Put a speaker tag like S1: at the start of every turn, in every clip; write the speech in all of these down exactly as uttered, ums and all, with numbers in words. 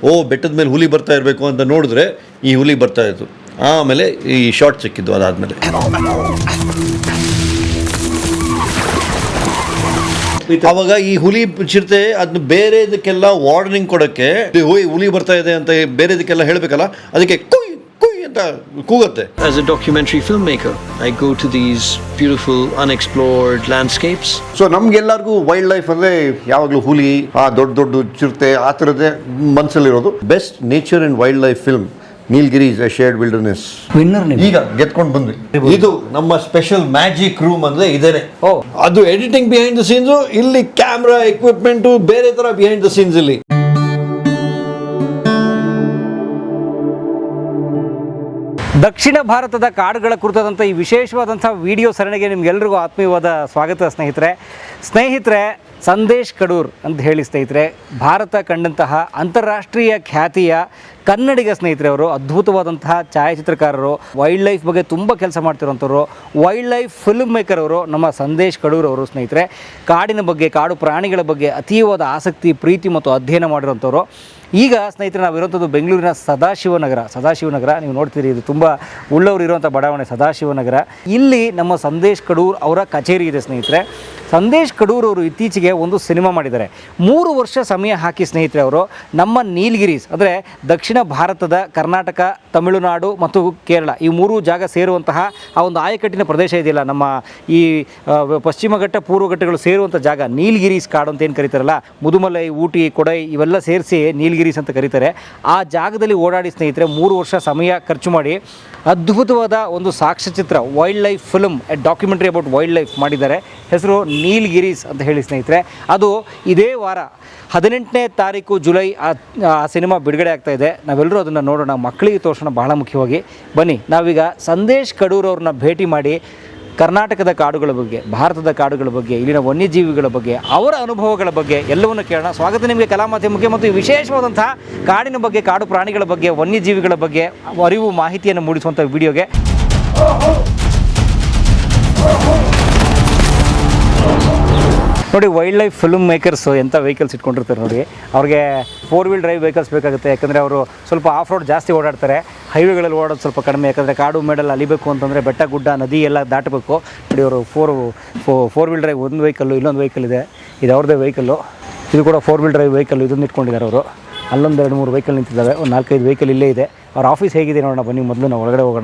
S1: ಓ ಬೆಟ್ಟದ ಮೇಲೆ ಹುಲಿ ಬರ್ತಾ ಇರಬೇಕು ಅಂತ ನೋಡಿದ್ರೆ ಈ ಹುಲಿ ಬರ್ತಾ ಇತ್ತು. ಆಮೇಲೆ ಈ ಶಾರ್ಟ್ ಸಿಕ್ಕಿದ್ದು. ಅದಾದಮೇಲೆ ಅವಾಗ ಈ ಹುಲಿ ಚಿರತೆ ಅದನ್ನ ಬೇರೆದಕ್ಕೆಲ್ಲ ವಾರ್ನಿಂಗ್ ಕೊಡೋಕ್ಕೆ ಹೋಯ್ ಹುಲಿ ಬರ್ತಾ ಇದೆ ಅಂತ ಬೇರೆದಕ್ಕೆಲ್ಲ ಹೇಳಬೇಕಲ್ಲ, ಅದಕ್ಕೆ ಕುಯ್ ಕುಯ್ ಅಂತ ಕೂಗುತ್ತೆ.
S2: As a documentary filmmaker, I go to these beautiful unexplored landscapes.
S1: So ನಮ್ಗೆಲ್ಲರಿಗೂ ವೈಲ್ಡ್ ಲೈಫ್ ಅಂದ್ರೆ ಯಾವಾಗಲೂ ಹುಲಿ, ಆ ದೊಡ್ಡ ದೊಡ್ಡ ಚಿರತೆ ಆ ಥರದ್ದೇ ಮನಸ್ಸಲ್ಲಿರೋದು. Best nature and wildlife film Nilgiris a shared wilderness
S3: winner
S1: ಈಗ ಗೆದ್ಕೊಂಡು ಬಂದ್ವಿ. ಇದು ನಮ್ಮ ಸ್ಪೆಷಲ್ ಮ್ಯಾಜಿಕ್ ರೂಮ್ ಅಂದ್ರೆ ಇದೇನೆ. ಅದು ಎಡಿಟಿಂಗ್ ಬಿಹೈಂಡ್ ದ ಸೀನ್ಸ್, ಇಲ್ಲಿ ಕ್ಯಾಮ್ರಾ ಎಕ್ವಿಪ್ಮೆಂಟ್ ಬೇರೆ ತರ ಬಿಹೈಂಡ್ ದ ಸೀನ್ಸ್. ಇಲ್ಲಿ
S3: ದಕ್ಷಿಣ ಭಾರತದ ಕಾಡುಗಳ ಕುರಿತಾದಂಥ ಈ ವಿಶೇಷವಾದಂಥ ವಿಡಿಯೋ ಸರಣಿಗೆ ನಿಮ್ಗೆಲ್ರಿಗೂ ಆತ್ಮೀಯವಾದ ಸ್ವಾಗತ ಸ್ನೇಹಿತರೆ. ಸ್ನೇಹಿತರೆ, ಸಂದೇಶ್ ಕಡೂರ್ ಅಂತ ಹೇಳಿ ಸ್ನೇಹಿತರೆ, ಭಾರತ ಕಂಡಂತಹ ಅಂತಾರಾಷ್ಟ್ರೀಯ ಖ್ಯಾತಿಯ ಕನ್ನಡಿಗ ಸ್ನೇಹಿತರೆ. ಅವರು ಅದ್ಭುತವಾದಂತಹ ಛಾಯಾಚಿತ್ರಕಾರರು, ವೈಲ್ಡ್ ಲೈಫ್ ಬಗ್ಗೆ ತುಂಬ ಕೆಲಸ ಮಾಡ್ತಿರೋಂಥವ್ರು, ವೈಲ್ಡ್ ಲೈಫ್ ಫಿಲ್ಮ್ ಮೇಕರ್ ಅವರು ನಮ್ಮ ಸಂದೇಶ್ ಕಡೂರ್ ಅವರು ಸ್ನೇಹಿತರೆ. ಕಾಡಿನ ಬಗ್ಗೆ, ಕಾಡು ಪ್ರಾಣಿಗಳ ಬಗ್ಗೆ ಅತೀವಾದ ಆಸಕ್ತಿ, ಪ್ರೀತಿ ಮತ್ತು ಅಧ್ಯಯನ ಮಾಡಿರೋಂಥವ್ರು. ಈಗ ಸ್ನೇಹಿತರೆ ನಾವಿರೋಂಥದ್ದು ಬೆಂಗಳೂರಿನ ಸದಾಶಿವನಗರ. ಸದಾಶಿವನಗರ ನೀವು ನೋಡ್ತೀರಿ, ಇದು ತುಂಬ ಉಳ್ಳವರು ಇರುವಂಥ ಬಡಾವಣೆ ಸದಾಶಿವನಗರ. ಇಲ್ಲಿ ನಮ್ಮ ಸಂದೇಶ್ ಕಡೂರ್ ಅವರ ಕಚೇರಿ ಇದೆ ಸ್ನೇಹಿತರೆ. ಸಂದೇಶ್ ಕಡೂರ್ ಅವರು ಇತ್ತೀಚೆಗೆ ಒಂದು ಸಿನಿಮಾ ಮಾಡಿದ್ದಾರೆ. ಮೂರು ವರ್ಷ ಸಮಯ ಹಾಕಿ ಸ್ನೇಹಿತರೆ ಅವರು ನಮ್ಮ ನೀಲಗಿರೀಸ್ ಅಂದರೆ ದಕ್ಷಿಣ ಭಾರತದ ಕರ್ನಾಟಕ, ತಮಿಳುನಾಡು ಮತ್ತು ಕೇರಳ ಈ ಮೂರು ಜಾಗ ಸೇರುವಂತಹ ಆ ಒಂದು ಆಯಕಟ್ಟಿನ ಪ್ರದೇಶ ಇದೆಯಲ್ಲ, ನಮ್ಮ ಈ ಪಶ್ಚಿಮ ಘಟ್ಟ ಪೂರ್ವ ಘಟ್ಟಗಳು ಸೇರುವಂಥ ಜಾಗ ನೀಲಗಿರೀಸ್ ಕಾಡು ಅಂತ ಏನು ಕರೀತಾರಲ್ಲ, ಮುದುಮಲೈ, ಊಟಿ, ಕೊಡೈ ಇವೆಲ್ಲ ಸೇರಿಸಿ ನೀಲಗಿರೀಸ್ ಅಂತ ಕರೀತಾರೆ. ಆ ಜಾಗದಲ್ಲಿ ಓಡಾಡಿ ಸ್ನೇಹಿತರೆ ಮೂರು ವರ್ಷ ಸಮಯ ಖರ್ಚು ಮಾಡಿ ಅದ್ಭುತವಾದ ಒಂದು ಸಾಕ್ಷ್ಯಚಿತ್ರ wildlife film, a documentary about wildlife ಮಾಡಿದ್ದಾರೆ. ಹೆಸರು ನೀಲ್ಗಿರೀಸ್ ಅಂತ ಹೇಳಿ ಸ್ನೇಹಿತರೆ. ಅದು ಇದೇ ವಾರ ಹದಿನೆಂಟನೇ ತಾರೀಕು ಜುಲೈ ಆ ಸಿನಿಮಾ ಬಿಡುಗಡೆ ಆಗ್ತಾ ಇದೆ. ನಾವೆಲ್ಲರೂ ಅದನ್ನು ನೋಡೋಣ, ಮಕ್ಕಳಿಗೆ ತೋರಿಸೋಣ ಬಹಳ ಮುಖ್ಯವಾಗಿ. ಬನ್ನಿ ನಾವೀಗ ಸಂದೇಶ್ ಕಡೂರ್ ಅವ್ರನ್ನ ಭೇಟಿ ಮಾಡಿ ಕರ್ನಾಟಕದ ಕಾಡುಗಳ ಬಗ್ಗೆ, ಭಾರತದ ಕಾಡುಗಳ ಬಗ್ಗೆ, ಇಲ್ಲಿನ ವನ್ಯಜೀವಿಗಳ ಬಗ್ಗೆ, ಅವರ ಅನುಭವಗಳ ಬಗ್ಗೆ ಎಲ್ಲವನ್ನು ಕೇಳೋಣ. ಸ್ವಾಗತ ನಿಮಗೆ ಕಲಾ ಮಾಧ್ಯಮಕ್ಕೆ. ಮತ್ತು ಈ ವಿಶೇಷವಾದಂತಹ ಕಾಡಿನ ಬಗ್ಗೆ, ಕಾಡು ಪ್ರಾಣಿಗಳ ಬಗ್ಗೆ, ವನ್ಯಜೀವಿಗಳ ಬಗ್ಗೆ ಅರಿವು, ಮಾಹಿತಿಯನ್ನು ಮೂಡಿಸುವಂಥ ವಿಡಿಯೋಗೆ ನೋಡಿ. ವೈಲ್ಡ್ ಲೈಫ್ ಫಿಲ್ಮ್ ಮೇಕರ್ಸು ಎಂಥ ವೆಹಿಕಲ್ಸ್ ಇಟ್ಕೊಂಡಿರ್ತಾರೆ ನೋಡಿ. ಅವ್ರಿಗೆ ಫೋರ್ ವೀಲ್ ಡ್ರೈವ್ ವೆಹಿಕಲ್ಸ್ ಬೇಕಾಗುತ್ತೆ, ಯಾಕಂದರೆ ಅವರು ಸ್ವಲ್ಪ ಆಫ್ ರೋಡ್ ಜಾಸ್ತಿ ಓಡಾಡ್ತಾರೆ. ಹೈವೇಗಳಲ್ಲಿ ಓಡೋದು ಸ್ವಲ್ಪ ಕಡಿಮೆ, ಯಾಕಂದರೆ ಕಾಡು ಮೇಡಲ್ಲಿ ಅಲಿಬೇಕು ಅಂತಂದರೆ ಬೆಟ್ಟ ಗುಡ್ಡ ನದಿ ಎಲ್ಲ ದಾಟಬೇಕು. ನೋಡಿ ಅವರು ಫೋರ್ ಫೋರ್ ವೀಲ್ ಡ್ರೈವ್ ಒಂದು ವೆಹಿಕಲ್ಲು, ಇಲ್ಲೊಂದು ವೆಹಿಕಲ್ ಇದೆ, ಇದು ಅವ್ರದ್ದೇ ವೆಹಿಕಲ್ಲು. ಇದು ಕೂಡ ಫೋರ್ ವೀಲ್ ಡ್ರೈವ್ ವೆಹಿಕಲ್, ಇದನ್ನು ಇಟ್ಕೊಂಡಿದ್ದಾರೆ ಅವರು. ಅಲ್ಲೊಂದು ಎರಡು ಮೂರು ವೆಹಿಕಲ್ ನಿಂತಿದ್ದಾವೆ, ಒಂದು ನಾಲ್ಕೈದು ವೆಹಿಕಲ್ ಇಲ್ಲೇ ಇದೆ. ಅವ್ರ ಆಫೀಸ್ ಹೇಗಿದೆ ನೋಡೋಣ ಬನ್ನಿ. ಮೊದಲು ನಾವು ಒಳಗಡೆ ಹೋಗೋಣ.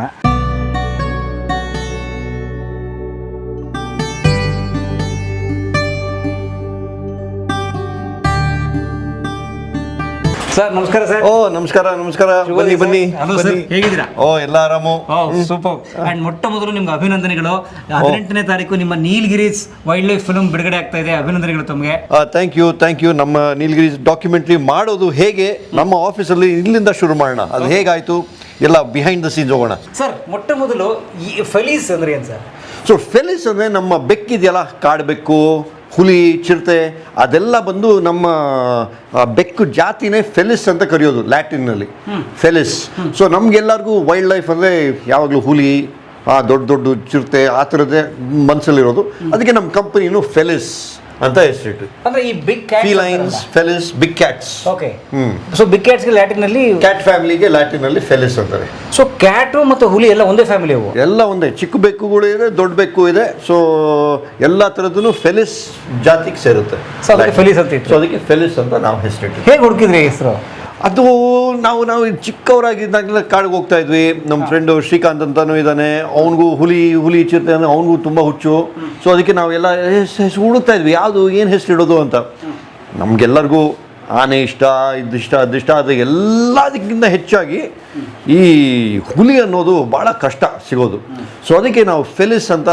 S3: ಸರ್ ನಮಸ್ಕಾರ ಸರ್.
S1: ಓ ನಮಸ್ಕಾರ ನಮಸ್ಕಾರ. ಬನ್ನಿ ಬನ್ನಿ ಬನ್ನಿ.
S3: ಹೇಗಿದ್ದೀರಾ?
S1: ಓ ಎಲ್ಲ ಆರಾಮು.
S3: ಸೂಪರ್. ಅಂಡ್ ಮೊಟ್ಟ ಮೊದಲು ನಿಮ್ಗೆ ಅಭಿನಂದನೆಗಳು. ಹದಿನೆಂಟನೇ ತಾರೀಕು ನಿಮ್ಮ ನೀಲ್ಗಿರೀಸ್ ವೈಲ್ಡ್ ಲೈಫ್ ಫಿಲ್ಮ್ ಬಿಡುಗಡೆ ಆಗ್ತಾ ಇದೆ. ಅಭಿನಂದನೆಗಳು ತಮಗೆ.
S1: Thank you thank you. ನಮ್ಮ ನೀಲ್ಗಿರೀಸ್ ಡಾಕ್ಯುಮೆಂಟ್ರಿ ಮಾಡೋದು ಹೇಗೆ ನಮ್ಮ ಆಫೀಸಲ್ಲಿ ಇಲ್ಲಿಂದ ಶುರು ಮಾಡೋಣ. ಅದು ಹೇಗಾಯ್ತು ಎಲ್ಲ ಬಿಹೈಂಡ್ ದ ಸೀನ್ಸ್ ಹೋಗೋಣ.
S3: ಸರ್ ಮೊಟ್ಟ ಮೊದಲು ಈ ಫೆಲೀಸ್ ಅಂದ್ರೆ ಏನು ಸರ್?
S1: ಸೊ ಫೆಲಿಸ್ ಅಂದರೆ ನಮ್ಮ ಬೆಕ್ಕಿದೆಯಲ್ಲ, ಕಾಡು ಬೆಕ್ಕು, ಹುಲಿ, ಚಿರತೆ ಅದೆಲ್ಲ ಬಂದು ನಮ್ಮ ಬೆಕ್ಕು ಜಾತಿನೇ ಫೆಲಿಸ್ ಅಂತ ಕರೆಯೋದು ಲ್ಯಾಟಿನ್ನಲ್ಲಿ, ಫೆಲಿಸ್. ಸೊ ನಮ್ಗೆಲ್ಲರಿಗೂ ವೈಲ್ಡ್ ಲೈಫ್ ಅಂದರೆ ಯಾವಾಗಲೂ ಹುಲಿ, ಆ ದೊಡ್ಡ ದೊಡ್ಡ ಚಿರತೆ ಆ ಥರದ್ದೇ ಮನಸ್ಸಲ್ಲಿರೋದು. ಅದಕ್ಕೆ ನಮ್ಮ ಕಂಪನಿನೂ ಫೆಲಿಸ್ ಅಂತ ಹೆಸರಿಟ್ಟು.
S3: ಅಂದ್ರೆ ಈ big
S1: felines, Felis, big cats.
S3: Okay. Hmm. So big cats ಗೆ ಲ್ಯಾಟಿನ್ ನಲ್ಲಿ,
S1: ಕ್ಯಾಟ್ ಫ್ಯಾಮಿಲಿಗೆ ಲ್ಯಾಟಿನ್ ಅಲ್ಲಿ ಫೆಲಿಸ್ ಅಂತಾರೆ.
S3: ಸೊ ಕ್ಯಾಟು ಮತ್ತು ಹುಲಿ ಎಲ್ಲ ಒಂದೇ ಫ್ಯಾಮಿಲಿ ಅವು?
S1: ಎಲ್ಲ ಒಂದೇ. ಚಿಕ್ಕ ಬೆಕ್ಕುಗಳು ಇದೆ, ದೊಡ್ಡ ಬೆಕ್ಕು ಇದೆ. ಸೊ ಎಲ್ಲ ತರದ್ದು ಫೆಲಿಸ್ ಜಾತಿಗೆ ಸೇರುತ್ತೆ.
S3: ಸೊ ಅದಕ್ಕೆ ಫೆಲಿಸ್ ಅಂತ ಇತ್ತು.
S1: ಸೊ ಅದಕ್ಕೆ ಫೆಲಿಸ್ ಅಂತ ನಾವು ಹೆಸರಿಟ್ಟು.
S3: ಹೇಗೆ ಹುಡುಕಿದ್ರಿ ಹೆಸರು?
S1: ಅದು ನಾವು ನಾವು ಚಿಕ್ಕವರಾಗಿದ್ದಾಗಲೇ ಕಾಡಿಗೆ ಹೋಗ್ತಾ ಇದ್ವಿ. ನಮ್ಮ ಫ್ರೆಂಡು ಶ್ರೀಕಾಂತ್ ಅಂತಾನು ಇದ್ದಾನೆ, ಅವನಿಗೂ ಹುಲಿ ಹುಲಿ ಚಿರತೆ ಅಂದರೆ ಅವನಿಗೂ ತುಂಬ ಹುಚ್ಚು. ಸೊ ಅದಕ್ಕೆ ನಾವೆಲ್ಲ ಹೆಸರು ಹುಡುಕ್ತಾ ಇದ್ವಿ, ಯಾವುದು ಏನು ಹೆಸರು ಇಡೋದು ಅಂತ. ನಮಗೆಲ್ಲರಿಗೂ ಆನೆ ಇಷ್ಟ, ಇದಿಷ್ಟ ಅದಿಷ್ಟ. ಅದು ಎಲ್ಲದಕ್ಕಿಂತ ಹೆಚ್ಚಾಗಿ ಈ ಹುಲಿ ಅನ್ನೋದು ಭಾಳ ಕಷ್ಟ ಸಿಗೋದು. ಸೊ ಅದಕ್ಕೆ ನಾವು ಫೆಲಿಸ್ ಅಂತ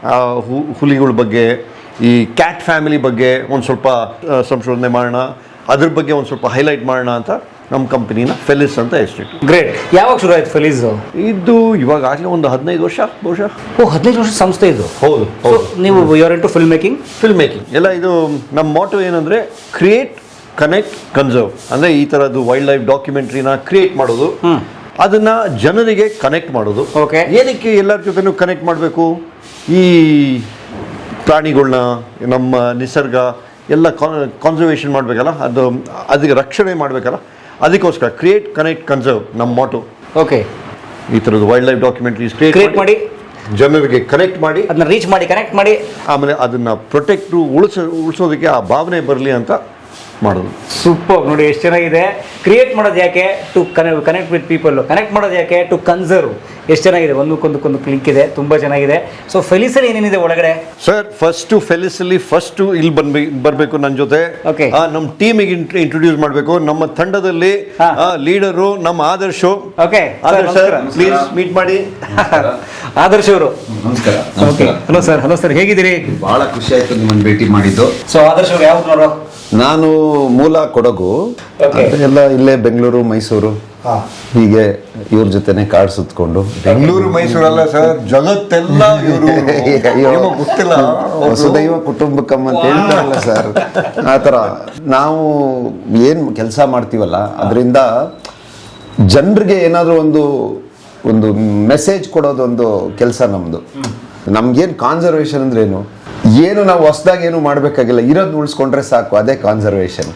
S1: ಹುಲಿಗಳ ಬಗ್ಗೆ, ಈ ಕ್ಯಾಟ್ ಫ್ಯಾಮಿಲಿ ಬಗ್ಗೆ ಒಂದು ಸ್ವಲ್ಪ ಸಂಶೋಧನೆ ಮಾಡೋಣ, ಅದ್ರ ಬಗ್ಗೆ ಒಂದು ಸ್ವಲ್ಪ ಹೈಲೈಟ್ ಮಾಡೋಣ ಅಂತ ನಮ್ಮ ಕಂಪನಿನ ಫೆಲಿಸ್ ಅಂತ ಹೆಸರಿಟ್ಟು.
S3: ಗ್ರೇಟ್. ಯಾವಾಗ ಶುರು ಆಯ್ತು ಫೆಲಿಸ್?
S1: ಇದು ಇವಾಗ ಆಗಲೇ ಒಂದು ಹದಿನೈದು ವರ್ಷ ಬಹುಶಃ.
S3: ಓ, ಹದಿನೈದು ವರ್ಷ ಸಂಸ್ಥೆ ಇದು?
S1: ಹೌದು ಹೌದು.
S3: ನೀವು your into film making?
S1: Film making ಎಲ್ಲ ಇದು ನಮ್ಮ ಮೋಟೋ ಏನಂದರೆ ಕ್ರಿಯೇಟ್, ಕನೆಕ್ಟ್, ಕನ್ಸರ್ವ್. ಅಂದರೆ ಈ ಥರದ್ದು ವೈಲ್ಡ್ ಲೈಫ್ ಡಾಕ್ಯುಮೆಂಟ್ರಿನ ಕ್ರಿಯೇಟ್ ಮಾಡೋದು, ಅದನ್ನ ಜನರಿಗೆ ಕನೆಕ್ಟ್ ಮಾಡೋದು.
S3: ಓಕೆ.
S1: ಏನಕ್ಕೆ ಎಲ್ಲರ ಜೊತೆನೂ ಕನೆಕ್ಟ್ ಮಾಡಬೇಕು? ಈ ಪ್ರಾಣಿಗಳನ್ನ, ನಮ್ಮ ನಿಸರ್ಗ ಎಲ್ಲ ಕಾನ್ಸರ್ವೇಷನ್ ಮಾಡಬೇಕಲ್ಲ, ಅದು ಅದಕ್ಕೆ ರಕ್ಷಣೆ ಮಾಡಬೇಕಲ್ಲ, ಅದಕ್ಕೋಸ್ಕರ ಕ್ರಿಯೇಟ್ ಕನೆಕ್ಟ್ ಕನ್ಸರ್ವ್ ನಮ್ಮ ಮಾಟು.
S3: ಓಕೆ,
S1: ಈ ಥರದ್ದು wildlife documentaries
S3: create
S1: create
S3: ಮಾಡಿ
S1: ಜನರಿಗೆ ಕನೆಕ್ಟ್ ಮಾಡಿ
S3: ಅದನ್ನ ರೀಚ್ ಮಾಡಿ ಕನೆಕ್ಟ್ ಮಾಡಿ
S1: ಆಮೇಲೆ ಅದನ್ನು ಪ್ರೊಟೆಕ್ಟು ಉಳಿಸೋ ಉಳಿಸೋದಕ್ಕೆ ಆ ಭಾವನೆ ಬರಲಿ ಅಂತ ಮಾಡೋದು.
S3: ಸೂಪರ್. ನೋಡಿ ಎಷ್ಟು ಚೆನ್ನಾಗಿದೆ. ಕ್ರಿಯೇಟ್ ಮಾಡೋದು ಯಾಕೆ? To connect connect with people. Connect ಮಾಡೋದು ಯಾಕೆ? To conserve. ಎಷ್ಟು ಚೆನ್ನಾಗಿದೆ, ಒಂದಕ್ಕೊಂದಕ್ಕೊಂದು ಕ್ಲಿಕ್ ಇದೆ, ತುಂಬ ಚೆನ್ನಾಗಿದೆ. ಸೊ ಫೆಲಿಸಲ್ಲಿ ಏನೇನಿದೆ ಒಳಗಡೆ?
S1: ಸರ್ ಫಸ್ಟು ಫೆಲಿಸಲ್ಲಿ ಫಸ್ಟು ಇಲ್ಲಿ ಬಂದ್ಬೇಕು ಬರಬೇಕು ನನ್ನ ಜೊತೆ.
S3: Okay.
S1: ನಮ್ಮ ಟೀಮಿಗೆ ಇಂಟ್ರೊಡ್ಯೂಸ್ ಮಾಡಬೇಕು. ನಮ್ಮ ತಂಡದಲ್ಲಿ
S3: ಹಾ.
S1: ಲೀಡರು ನಮ್ಮ Adarsh.
S3: Okay,
S1: Adarsh sir please meet ಮಾಡಿ.
S3: ಆದರ್ಶ್ ಅವರು
S4: ನಮಸ್ಕಾರ.
S3: Okay, hello sir. Hello sir, ಹೇಗಿದ್ದೀರಿ?
S4: ಬಹಳ ಖುಷಿ ಆಯ್ತು ನಿಮ್ಮನ್ನು ಭೇಟಿ ಮಾಡಿದ್ದು.
S3: ಸೊ ಆದರ್ಶ್ ಅವರು ಯಾವ ನೋಡೋ?
S4: ನಾನು ಮೂಲ ಕೊಡಗು,
S3: Okay.
S4: ಎಲ್ಲ ಇಲ್ಲೇ ಬೆಂಗಳೂರು ಮೈಸೂರು ಹೀಗೆ ಇವ್ರ ಜೊತೆನೆ ಕಾಡ್ ಸುತ್ಕೊಂಡು.
S1: ಬೆಂಗಳೂರು ಮೈಸೂರಲ್ಲ ಸರ್, ಜಗತ್ತೆಲ್ಲ ಇವರು
S4: ಅಯ್ಯೋ,
S1: ಗೊತ್ತಿಲ್ಲ.
S4: ವಸುದೈವ ಕುಟುಂಬಕಂ ಅಂತ ಹೇಳ್ತಾರಲ್ಲ ಸರ್, ಆ ಥರ ನಾವು ಏನ್ ಕೆಲಸ ಮಾಡ್ತೀವಲ್ಲ ಅದರಿಂದ ಜನರಿಗೆ ಏನಾದರೂ ಒಂದು ಒಂದು ಮೆಸೇಜ್ ಕೊಡೋದೊಂದು ಕೆಲಸ ನಮ್ದು. ನಮ್ಗೇನು ಕಾನ್ಸರ್ವೇಷನ್ ಅಂದ್ರೆ ಏನು ಏನು ನಾವು ಹೊಸದಾಗಿ ಏನು ಮಾಡ್ಬೇಕಾಗಿಲ್ಲ, ಇರೋದು ಉಳಿಸ್ಕೊಂಡ್ರೆ ಸಾಕು, ಅದೇ ಕಾನ್ಸರ್ವೇಷನ್.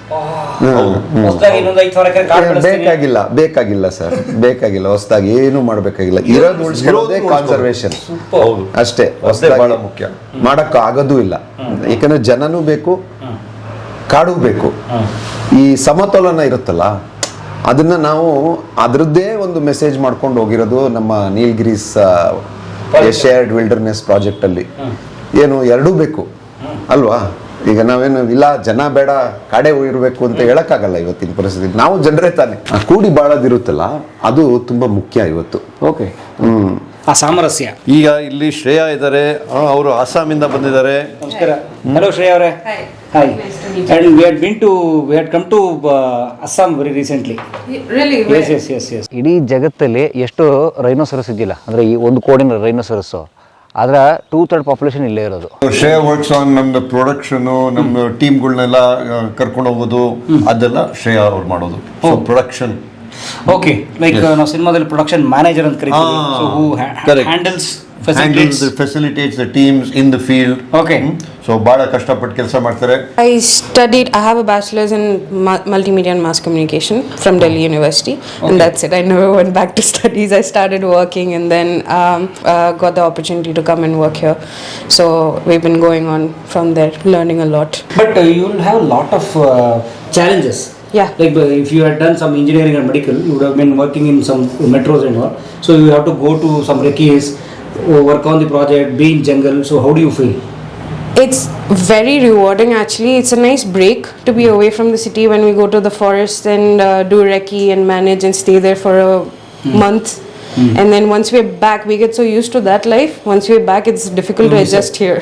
S4: ಬೇಕಾಗಿಲ್ಲ ಬೇಕಾಗಿಲ್ಲ ಸರ್, ಬೇಕಾಗಿಲ್ಲ ಹೊಸದಾಗಿ ಏನು ಮಾಡ್ಬೇಕಾಗಿಲ್ಲ, ಇರೋದು ಉಳಿಸ್ಕೊಳ್ಳೋದೇ ಕಾನ್ಸರ್ವೇಷನ್ ಅಷ್ಟೇ. ಹೊಸದಾಗಿ
S1: ಮುಖ್ಯ
S4: ಮಾಡಕ್ಕ ಆಗೋದೂ ಇಲ್ಲ, ಯಾಕಂದ್ರೆ ಜನನೂ ಬೇಕು, ಕಾಡು ಬೇಕು. ಈ ಸಮತೋಲನ ಇರುತ್ತಲ್ಲ ಅದನ್ನ ನಾವು ಅದರದ್ದೇ ಒಂದು ಮೆಸೇಜ್ ಮಾಡ್ಕೊಂಡು ಹೋಗಿರೋದು ನಮ್ಮ ನೀಲ್ಗಿರೀಸ್ ಶೇರ್ಡ್ ವಿಲ್ಡರ್ನೆಸ್ ಪ್ರಾಜೆಕ್ಟ್ ಅಲ್ಲಿ. ಏನು ಎರಡೂ ಬೇಕು ಅಲ್ವಾ? ಈಗ ನಾವೇನು ಇಲ್ಲ ಜನ ಬೇಡ ಕಾಡೆ ಇರಬೇಕು ಅಂತ ಹೇಳಕ್ಕಾಗಲ್ಲ ಇವತ್ತಿನ ಪರಿಸ್ಥಿತಿ. ನಾವು ಜನರೇ ತಾನೆ. ಆ ಕೂಡಿ ಬಾಳೋದಿರುತ್ತಲ್ಲ ಅದು ತುಂಬಾ ಮುಖ್ಯ ಇವತ್ತು.
S3: ಓಕೆ,
S4: ಹ್ಮ್
S3: ಆ ಸಾಮರಸ್ಯ.
S1: ಈಗ ಇಲ್ಲಿ ಶ್ರೇಯಾ ಇದ್ದಾರೆ, ಅವರು ಅಸ್ಸಾಮಿಂದ ಬಂದಿದ್ದಾರೆ.
S3: ನಮಸ್ಕಾರ. ಹಲೋ ಶ್ರೇಯಾ ಅವರೇ. Hi. And we had been to we had come to uh, Assam very recently.
S5: Really?
S3: Yes, yes, yes, yes. ಇಡೀ ಜಗತ್ತಲ್ಲಿ ಎಷ್ಟು ರೈನೋಸರಸ್ ಇದೆಯಲ್ಲ, ಅಂದ್ರೆ ಈ ಒಂದು ಕೋಡಿನ ರೈನೋಸರಸ್, ಅದರ ಟೂ ಥರ್ಡ್ ಪಾಪ್ಯುಲೇಷನ್ ಇಲ್ಲೇ ಇರೋದು.
S1: ಶ್ರೇಯಾ ವರ್ಕ್ಸ್ ಆನ್ ನಮ್ದು ಪ್ರೊಡಕ್ಷನ್, ನಮ್ಮ ಟೀಮ್ಗಳನ್ನೆಲ್ಲ ಕರ್ಕೊಂಡು ಹೋಗೋದು ಅದೆಲ್ಲ ಶ್ರೇಯಾ ಅವ್ರು ಮಾಡೋದು. So production.
S3: ಓಕೆ, ಲೈಕ್ ನಾವು ಸಿನಿಮಾದಲ್ಲಿ ಪ್ರೊಡಕ್ಷನ್ ಮ್ಯಾನೇಜರ್ ಅಂತ ಕರಿತೀವಿ. So who handles
S1: facilitates facilitates the teams in the field.
S3: Okay.
S1: So bada kashtapat kelsa ಮಾಡ್ತಾರೆ.
S5: I studied, I have a bachelor's in ma- multimedia and mass communication from Delhi University.
S3: Okay.
S5: And that's it. I never went back to studies. I started working and then um, uh, got the opportunity to come and work here. So we've been going on from there, learning a lot.
S3: But uh, you will have a lot of uh, challenges.
S5: Yeah.
S3: Like uh, if you had done some engineering and medical, you would have been working in some metros and all. So you have to go to some recce, work on the project, be in jungle. So how do you feel?
S5: It's very rewarding actually. It's a nice break to be away from the city when we go to the forest and uh, do recce and manage and stay there for a mm. month. Mm. And then once we're back, we get so used to that life. Once we're back, it's difficult mm. to adjust here.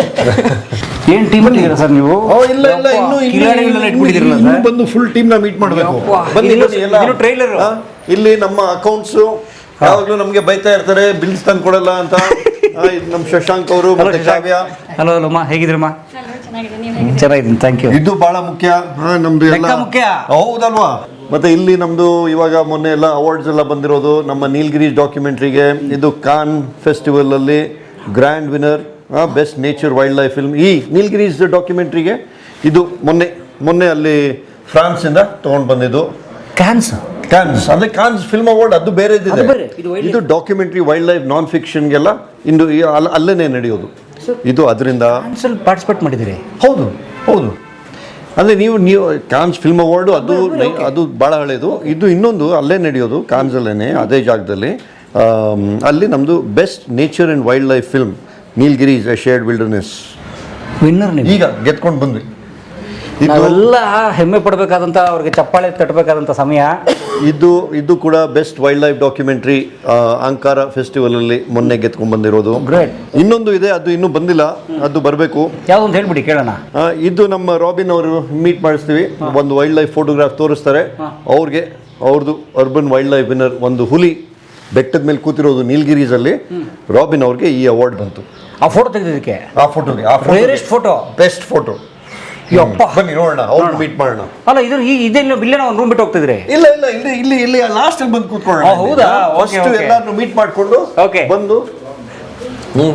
S3: ಏನು team ಅಲ್ಲಿ ಇದ್ದೀರಾ sir ನೀವು?
S1: ಓ ಇಲ್ಲ ಇಲ್ಲ ಇನ್ನು
S3: ಕಿಲಾಡಿಗಳನ್ನ ಇಟ್ಬಿಟ್ಟಿದ್ದೀರಲ್ಲ
S1: ಇನ್ನು
S3: sir?
S1: ಬಂದು full team ನ ಮೀಟ್ ಮಾಡಬೇಕು. ಬನ್ನಿ
S3: ಇದು-
S1: ಬನ್ನಿ ಎಲ್ಲ.
S3: ಇದು trailer.
S1: ಹಾ, ಇಲ್ಲಿ ನಮ್ಮ ಅಕೌಂಟ್ಸ್ ಯಾವಾಗಲೂ ನಮಗೆ ಬೈತಾ ಇರ್ತಾರೆ, ಬಿಲ್ಸ್ ತಂದು ಕೊಡಲ್ಲ ಅಂತ. ಆ, ಇದು ನಮ್ಮ ಶಶಾಂಕ್ ಅವರು ಮತ್ತೆ ಕಾವ್ಯ.
S3: ಹಲೋ ಹಲೋ ಅಮ್ಮ, ಹೇಗಿದ್ರಮ್ಮ? ಚೆನ್ನಾಗಿದ್ದೀನಿ, ಥ್ಯಾಂಕ್ ಯು.
S1: ಇದು ಬಹಳ ಮುಖ್ಯ. ಹಾ, ನಮ್ದು ಎಲ್ಲ
S3: ಲೆಕ್ಕ ಮುಖ್ಯ.
S1: ಹೌದಲ್ವಾ? ಮತ್ತೆ ಇಲ್ಲಿ ನಮ್ದು ಇವಾಗ ಮೊನ್ನೆ ಎಲ್ಲ ಅವಾರ್ಡ್ಸ್ ಎಲ್ಲ ಬಂದಿರೋದು ನಮ್ಮ ನೀಲ್ಗಿರೀಸ್ ಡಾಕ್ಯುಮೆಂಟ್ರಿಗೆ. ಇದು ಕಾನ್ ಫೆಸ್ಟಿವಲ್ ಅಲ್ಲಿ grand winner, best nature wildlife film ಈ ನೀಲ್ಗಿರೀಸ್ ಡಾಕ್ಯುಮೆಂಟ್ರಿಗೆ. ಇದು ಮೊನ್ನೆ ಮೊನ್ನೆ ಅಲ್ಲಿ ಫ್ರಾನ್ಸ್ ಇಂದ ತಗೊಂಡು ಬಂದಿದ್ದು.
S3: ಕ್ಯಾನ್ಸ್
S1: ಕಾನ್ಸ್ ಅಂದ್ರೆ ಕಾನ್ಸ್ ಫಿಲ್ಮ್ ಅವಾರ್ಡ್, ಅದು ಬೇರೆ ಇದೆ.
S3: ಅದು ಬೇರೆ, ಇದು wild
S1: ಇದು ಡಾಕ್ಯುಮೆಂಟ್ರಿ ವೈಲ್ಡ್ ಲೈಫ್ ನಾನ್ ಫಿಕ್ಷನ್ಗೆಲ್ಲ ಇಂದು ಈ ಅಲ್ಲ- ಅಲ್ಲೇನೆ ನಡೆಯೋದು ಇದು. ಅದರಿಂದ
S3: ಕ್ಯಾನ್ಸಲ್ಲಿ ಪಾರ್ಟಿಸಿಪೇಟ್ ಮಾಡಿದ್ದೀರಿ?
S1: ಹೌದು ಹೌದು. ಅಂದರೆ ನೀವು ನೀವು ಕಾನ್ಸ್ ಫಿಲ್ಮ್ ಅವಾರ್ಡು ಅದು ನೈ- ಅದು ಭಾಳ ಹಳೇದು. ಇದು ಇನ್ನೊಂದು ಅಲ್ಲೇ ನಡೆಯೋದು, ಕಾನ್ಸಲ್ಲೇ ಅದೇ ಜಾಗದಲ್ಲಿ. ಆಮ್, ಅಲ್ಲಿ ನಮ್ಮದು best nature and wildlife film Nilgiris a shared wilderness
S3: winner ನೀವು.
S1: ಈಗ ಗೆದ್ಕೊಂಡು ಬಂದ್ವಿ. ಇದು
S3: ನಾವೆಲ್ಲ ಹೆಮ್ಮೆ ಪಡಬೇಕಾದಂಥ, ಅವ್ರಿಗೆ ಚಪ್ಪಾಳೆ ತಟ್ಟಬೇಕಾದಂಥ ಸಮಯ
S1: ಇದು. ಇದು ಕೂಡ best wildlife documentary Ankara festival ಅಲ್ಲಿ ಮೊನ್ನೆ ಗೆದ್ಕೊಂಡು ಬಂದಿರೋದು.
S3: ಗ್ರೇಟ್.
S1: ಇನ್ನೊಂದು ಇದೆ, ಅದು ಇನ್ನೂ ಬಂದಿಲ್ಲ, ಅದು ಬರಬೇಕು.
S3: ಯಾವ್ದು ಅಂತ ಹೇಳ್ಬಿಡಿ ಕೇಳೋಣ.
S1: ಆ, ಇದು ನಮ್ಮ ರಾಬಿನ್ ಅವರು ಮೀಟ್ ಮಾಡಿಸ್ತೀವಿ. ಒಂದು ವೈಲ್ಡ್ ಲೈಫ್ ಫೋಟೋಗ್ರಾಫ್ ತೋರಿಸ್ತಾರೆ ಅವ್ರಿಗೆ. ಅವ್ರದ್ದು ಅರ್ಬನ್ ವೈಲ್ಡ್ ಲೈಫ್ ವಿನ್ನರ್, ಒಂದು ಹುಲಿ ಬೆಟ್ಟದ ಮೇಲೆ ಕೂತಿರೋದು ನೀಲ್ಗಿರೀಸಲ್ಲಿ. ರಾಬಿನ್ ಅವ್ರಿಗೆ ಈ ಅವಾರ್ಡ್ ಬಂತು
S3: ಆ ಫೋಟೋ ತೆಗೆದಿದ್ದಕ್ಕೆ.
S1: ಆ ಫೋಟೋಗೆ. ಆ
S3: ರೇರೆಸ್ಟ್ ಫೋಟೋ,
S1: ಬೆಸ್ಟ್ ಫೋಟೋ.
S3: ಯಪ್ಪ.
S1: ಬನ್ನಿ ನೋಡೋಣ, ಅವ್ರು ಮೀಟ್ ಮಾಡೋಣ.
S3: ಅಲ್ಲ ಇದು ಈ ಇದೆಲ್ಲ ಇಲ್ಲೇ ಒಂದು ರೂಮ್ ಬಿಟ್ಟು ಹೋಗ್ತಿದ್ರಿ?
S1: ಇಲ್ಲ ಇಲ್ಲ ಇಲ್ಲಿ ಇಲ್ಲಿ ಇಲ್ಲಿ ಲಾಸ್ಟ್ ಅಲ್ಲಿ ಬಂದು ಕೂತ್ಕೊಳ್ಳೋಣ.
S3: ಆ, ಹೌದಾ? Okay,
S1: first
S3: okay.
S1: ಎಲ್ಲಾನು ಮೀಟ್ ಮಾಡ್ಕೊಂಡು
S3: Okay.
S1: ಬಂದು ಹ್ಮ್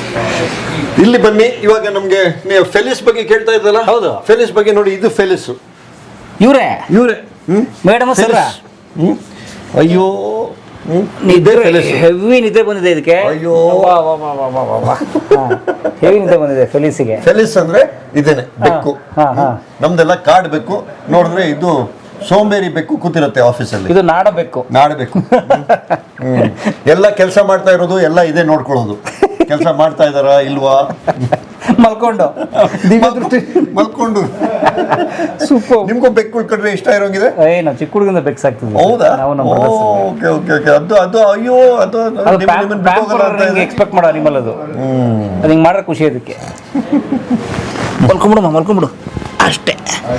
S1: ಇಲ್ಲಿ ಬನ್ನಿ. ಇವಾಗ ನಮ್ಗೆ ನೀವು ಫೆಲಿಸ್ ಬಗ್ಗೆ ಕೇಳ್ತಾ ಇದ್ದಲ್ಲ?
S3: ಹೌದು.
S1: ಫೆಲಿಸ್ ಬಗ್ಗೆ ನೋಡಿ, ಇದು ಫೆಲಿಸ್
S3: ಇವರೇ
S1: ಇವರೇ
S3: ಮೇಡಮ್ ಸರ್
S1: ಹ್ಮ್ ಅಯ್ಯೋ ಹ್ಮ್
S3: ನಿದ್ದೆ
S1: ಫೆಲಿಸ್.
S3: ಹೆವಿ ನಿದ್ದೆ ಬಂದಿದೆ ಇದಕ್ಕೆ.
S1: ಅಯ್ಯೋ.
S3: ಹೆವಿ ನಿದ್ದೆ ಬಂದಿದೆ ಫೆಲಿಸಿಗೆ.
S1: ಫೆಲಿಸ್ ಅಂದ್ರೆ ಇದೇನೆ ಬೆಕ್ಕು.
S3: ಹಾ, ಹಾ.
S1: ನಮ್ದೆಲ್ಲ ಕಾಡ್ ಬೆಕ್ಕು. ನೋಡಿದ್ರೆ ಇದು ಸೋಂಬೇರಿ ಬೆಕ್ಕು ಕೂತಿರುತ್ತೆ ಆಫೀಸಲ್ಲಿ.
S3: ಇದು ನಾಡಬೇಕು.
S1: ನಾಡಬೇಕು. ಹ್ಮ್ ಎಲ್ಲ ಕೆಲಸ ಮಾಡ್ತಾ ಇರೋದು ಎಲ್ಲ ಇದೇ ನೋಡ್ಕೊಳ್ಳೋದು. ಕೆಲಸ ಮಾಡ್ತಾ ಇದಾರಾ ಇಲ್ವಾ
S3: ಮಲ್ಕೊಂಡು ದಿವ್ಯ ದೃಷ್ಟಿ
S1: ಮಲ್ಕೊಂಡು.
S3: ಸೂಪರ್.
S1: ನಿಮ್ಗೂ ಬೆಕ್ಕು ಉಳ್ಕೊಂಡ್ರೆ ಇಷ್ಟ ಇರೋಂಗಿದೆ.
S3: ಏ ನಾವು ಚಿಕ್ಕ ಹುಡುಗಂದ ಬೆಕ್ಸ್ ಆಗ್ತದೆ.
S1: ಹೌದಾ?
S3: ನಾವು ನಮ್ಮ
S1: ಓಕೆ ಓಕೆ ಓಕೆ. ಅದು ಅದು ಅಯ್ಯೋ ಅದು ನಿಮ್ಮನ್ನ ಬಿಟ್ಟು ಹೋಗಲ್ಲ ಅಂತ ಇದೆ.
S3: ಎಕ್ಸ್ಪೆಕ್ಟ್ ಮಾಡೋ ಅನಿಮಲ್ ಅದು. ಅದು ಹಿಂಗೆ ಮಾಡ್ರೆ ಖುಷಿ ಅದಕ್ಕೆ. ಮಲ್ಕೊಂಬಿಡು ಮಲ್ಕೊಂಬಿಡು ಅಷ್ಟೇ.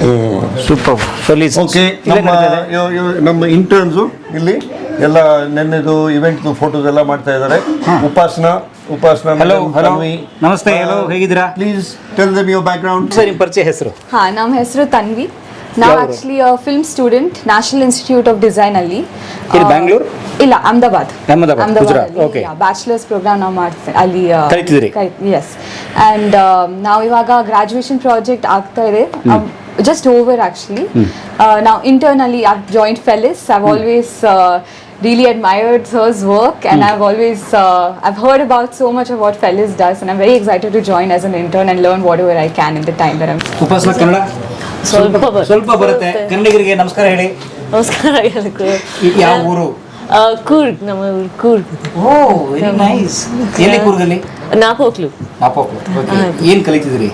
S3: ಸೂಪರ್ ಫೆಲಿಸ್.
S1: ಓಕೆ ನಮ್ಮ ಇವ್- ಇವ್- ನಮ್ಮ ಇಂಟರ್ನ್ಸು ಇಲ್ಲಿ ಎಲ್ಲ ನೆನ್ನೆದು ಇವೆಂಟ್ದು ಫೋಟೋಸ್ ಎಲ್ಲ ಮಾಡ್ತಾ ಇದ್ದಾರೆ. ಉಪಾಸನಾ ಉಪಾಸನಾ
S3: ಹಲೋ ಹಲೋ ನಮಸ್ತೆ. ಹಲೋ ಹೇಗಿದ್ದೀರಾ?
S1: Please tell them your background.
S3: Sir ನಿಮ್ಮ ಪರಿಚಯ ಹೆಸರು?
S6: ಹಾ, ನಮ್ಮ ಹೆಸರು ತನ್ವಿ. ನಾವು actually film student national institute of design ಅಲ್ಲಿ.
S3: ಇಲ್ಲಿ ಬ್ಯಾಂಗ್ಳೂರ್?
S6: ಇಲ್ಲ, Ahmedabad.
S3: Ahmedabad, Gujarat. Okay.
S6: Bachelors program ನಾವು ಮಾಡ್ತೇವೆ ಅಲ್ಲಿ.
S3: ಕಲಿತಿದ್ದೀರಿ?
S6: ಎಸ್. ಅಂಡ್ ನಾವು ಇವಾಗ ಗ್ರಾಜುಯೇಷನ್ ಪ್ರಾಜೆಕ್ಟ್ ಆಗ್ತಾ ಇದೆ. Just over actually. ನಾವು ಇಂಟರ್ನಲ್ಲಿ joint Felis. I've always really admired her's work, and I've always uh, I've heard about so much of what Fellis does, and I'm very excited to join as an intern and learn whatever I can in the time that I'm.
S3: Upasana Kannada
S7: ಸ್ವಲ್ಪ ಬರುತ್ತೆ.
S3: ಸ್ವಲ್ಪ ಬರುತ್ತೆ. ಕನ್ನಡಿಗರಿಗೆ ನಮಸ್ಕಾರ ಹೇಳಿ.
S7: ನಮಸ್ಕಾರ ಎಲ್ಲರಿಗೂ.
S3: ಇದು ಯಾವ ಊರು?
S7: ಆ, ಕೂರ್ಗ್, ನಮ್ಮ ಊರು ಕೂರ್ಗ್.
S3: ಓ ವೆರಿ ನೈಸ್. ಎಲ್ಲಿ ಕೂರ್ಗಲ್ಲಿ?
S7: ನಾಪೋಕ್ಲು.
S3: ನಾಪೋಕ್ಲು. ಓಕೆ. ಏನು ಕಲಿತಿದ್ರಿ?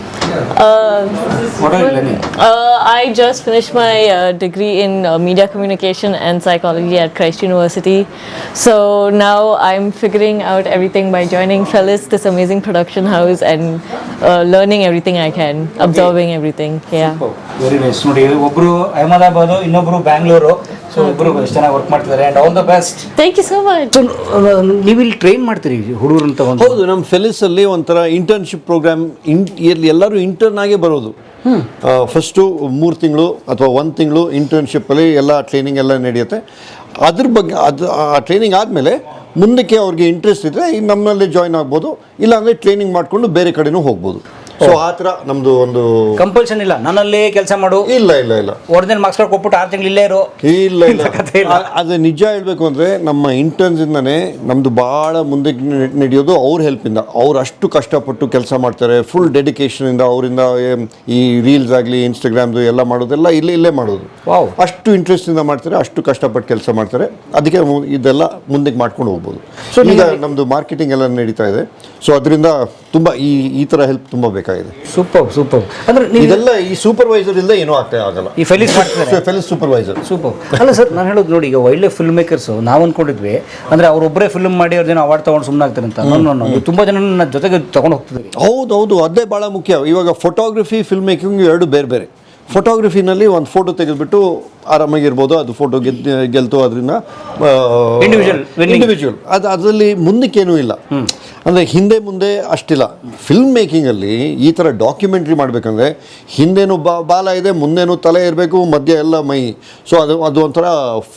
S3: What are you learning?
S7: Uh, I just finished my uh, degree in uh, media communication and psychology at Christ University. So now I'm figuring out everything by joining Fellis, this amazing production house, and uh, learning everything I can, absorbing everything. Yeah.
S3: Very nice. ನೋಡಿ ಒಬ್ರು ಅಹಮದಾಬಾದ್, ಇನ್ನೊಬ್ರು Bangalore. So ಇಬ್ರು ಎಷ್ಟು ಚೆನ್ನಾಗಿ work ಮಾಡ್ತಿದ್ದಾರೆ. And all the best.
S7: Thank you so much.
S3: ನೀವು ಇಲ್ಲಿ train ಮಾಡ್ತೀರಿ ಹುಡುಗರು ಅಂತ ಒಂದು?
S1: ಹೌದು, ನಮ್ಮ ಫೆಲಿಸ್ ಅಲ್ಲಿ ಒಂಥರ ಇಂಟರ್ನ್ಶಿಪ್ ಪ್ರೋಗ್ರಾಮ್. ಇಲ್ಲಿ ಎಲ್ಲರೂ ಇಂಟರ್ನ್ ಆಗೇ ಬರೋದು. ಫಸ್ಟು ಮೂರು ತಿಂಗಳು ಅಥವಾ ಒಂದು ತಿಂಗಳು ಇಂಟರ್ನ್ಶಿಪ್ಪಲ್ಲಿ ಎಲ್ಲ ಟ್ರೈನಿಂಗ್ ಎಲ್ಲ ನಡೆಯುತ್ತೆ. ಅದ್ರ ಬಗ್ಗೆ ಅದು ಆ ಟ್ರೈನಿಂಗ್ ಆದಮೇಲೆ ಮುಂದಕ್ಕೆ ಅವ್ರಿಗೆ ಇಂಟ್ರೆಸ್ಟ್ ಇದ್ದರೆ ಈಗ ನಮ್ಮಲ್ಲಿ ಜಾಯ್ನ್ ಆಗ್ಬೋದು, ಇಲ್ಲಾಂದರೆ ಟ್ರೈನಿಂಗ್ ಮಾಡಿಕೊಂಡು ಬೇರೆ ಕಡೆನೂ ಹೋಗ್ಬೋದು. ಸೊ ಆ ಥರ ನಮ್ಮದು ಒಂದು
S3: ಕಂಪಲ್ಷನ್ ಇಲ್ಲ ನನ್ನಲ್ಲೇ ಕೆಲಸ ಮಾಡು.
S1: ಇಲ್ಲ ಇಲ್ಲ ಇಲ್ಲ
S3: ಒರಿಜಿನಲ್ ಮಾರ್ಕ್ಸ್ ಕಾರ್ಡ್ ಕೊಟ್ಬಿಟ್ಟು ಆರು ತಿಂಗಳು ಇಲ್ಲೇ ಇರೋ.
S1: ಇಲ್ಲ ಇಲ್ಲ ಅ- ಅದು ನಿಜ ಹೇಳಬೇಕು ಅಂದರೆ ನಮ್ಮ ಇಂಟರ್ನ್ಸಿಂದನೇ ನಮ್ಮದು ಭಾಳ ಮುಂದಕ್ಕೆ ನೆ- ನಡೆಯೋದು ಅವ್ರ ಹೆಲ್ಪಿಂದ. ಅವ್ರು ಅಷ್ಟು ಕಷ್ಟಪಟ್ಟು ಕೆಲಸ ಮಾಡ್ತಾರೆ. ಫುಲ್ ಡೆಡಿಕೇಶನಿಂದ ಅವರಿಂದ ಈ ರೀಲ್ಸ್ ಆಗಲಿ ಇನ್ಸ್ಟಾಗ್ರಾಮ್ದು ಎಲ್ಲ ಮಾಡೋದೆಲ್ಲ ಇಲ್ಲೇ ಇಲ್ಲೇ ಮಾಡೋದು.
S3: Wow.
S1: ಅಷ್ಟು ಇಂಟ್ರೆಸ್ಟಿಂದ ಮಾಡ್ತಾರೆ, ಅಷ್ಟು ಕಷ್ಟಪಟ್ಟು ಕೆಲಸ ಮಾಡ್ತಾರೆ. ಅದಕ್ಕೆ ಮು- ಇದೆಲ್ಲ ಮುಂದಕ್ಕೆ ಮಾಡ್ಕೊಂಡು ಹೋಗ್ಬೋದು. ಸೊ ಈಗ ನಮ್ಮದು ಮಾರ್ಕೆಟಿಂಗ್ ಎಲ್ಲ ನಡೀತಾ ಇದೆ. ಸೊ ಅದರಿಂದ ತುಂಬ ಈ ಈ ಥರ ಹೆಲ್ಪ್ ತುಂಬ ಬೇಕಾಗಿದೆ.
S3: Super super. ಅಂದ್ರೆ ನೀವು
S1: ಇದೆಲ್ಲ ಈ ಸೂಪರ್ವೈಸರ್ ಇಲ್ಲದೆ ಏನೂ ಆಗ್ತಾ ಆಗಲ್ಲ.
S3: ಈ ಫೆಲಿಸ್ ಮಾಡ್ತಿದ್ದಾರೆ.
S1: ಫೆಲಿಸ್ ಸೂಪರ್ವೈಸರ್.
S3: ಸೂಪರ್. ಅಲ್ಲ ಸರ್, ನಾನು ಹೇಳೋದು ನೋಡಿ, ಈಗ ಒಳ್ಳೆ ಫಿಲ್ಮ್ ಮೇಕರ್ಸು ನಾವು ಅಂದ್ಕೊಂಡಿದ್ವಿ ಅಂದರೆ ಅವರೊಬ್ಬರೇ ಫಿಲ್ಮ್ ಮಾಡಿ ಅವ್ರ ಜನ ಅವಾರ್ಡ್ ತೊಗೊಂಡು ಸುಮ್ಮನೆ ಆಗ್ತಾರೆ ಅಂತ. ನಾನು ತುಂಬ ಜನ ನನ್ನ ಜೊತೆಗೆ ತೊಗೊಂಡು ಹೋಗ್ತಿದ್ದೀವಿ.
S1: ಹೌದು ಹೌದು, ಅದೇ ಭಾಳ ಮುಖ್ಯ. ಇವಾಗ ಫೋಟೋಗ್ರಫಿ ಫಿಲ್ಮ್ ಮೇಕಿಂಗ್ ಎರಡು ಬೇರೆ ಬೇರೆ. ಫೋಟೋಗ್ರಫಿನಲ್ಲಿ ಒಂದು ಫೋಟೋ ತೆಗೆದುಬಿಟ್ಟು ಆರಾಮಾಗಿರ್ಬೋದು, ಅದು ಫೋಟೋ ಗೆದ್ದು ಗೆಲ್ತು ಅದರಿಂದ
S3: Individual winning.
S1: ಇಂಡಿವಿಜುವಲ್. ಅದು ಅದರಲ್ಲಿ ಮುಂದಕ್ಕೇನೂ ಇಲ್ಲ. ಅಂದರೆ ಹಿಂದೆ ಮುಂದೆ ಅಷ್ಟಿಲ್ಲ. ಫಿಲ್ಮ್ ಮೇಕಿಂಗಲ್ಲಿ ಈ ಥರ ಡಾಕ್ಯುಮೆಂಟ್ರಿ ಮಾಡಬೇಕಂದ್ರೆ ಹಿಂದೇನು ಬಾ ಬಾಲ ಇದೆ, ಮುಂದೇನು ತಲೆ ಇರಬೇಕು, ಮಧ್ಯ ಎಲ್ಲ ಮೈ. ಸೊ ಅದು ಅದು ಒಂಥರ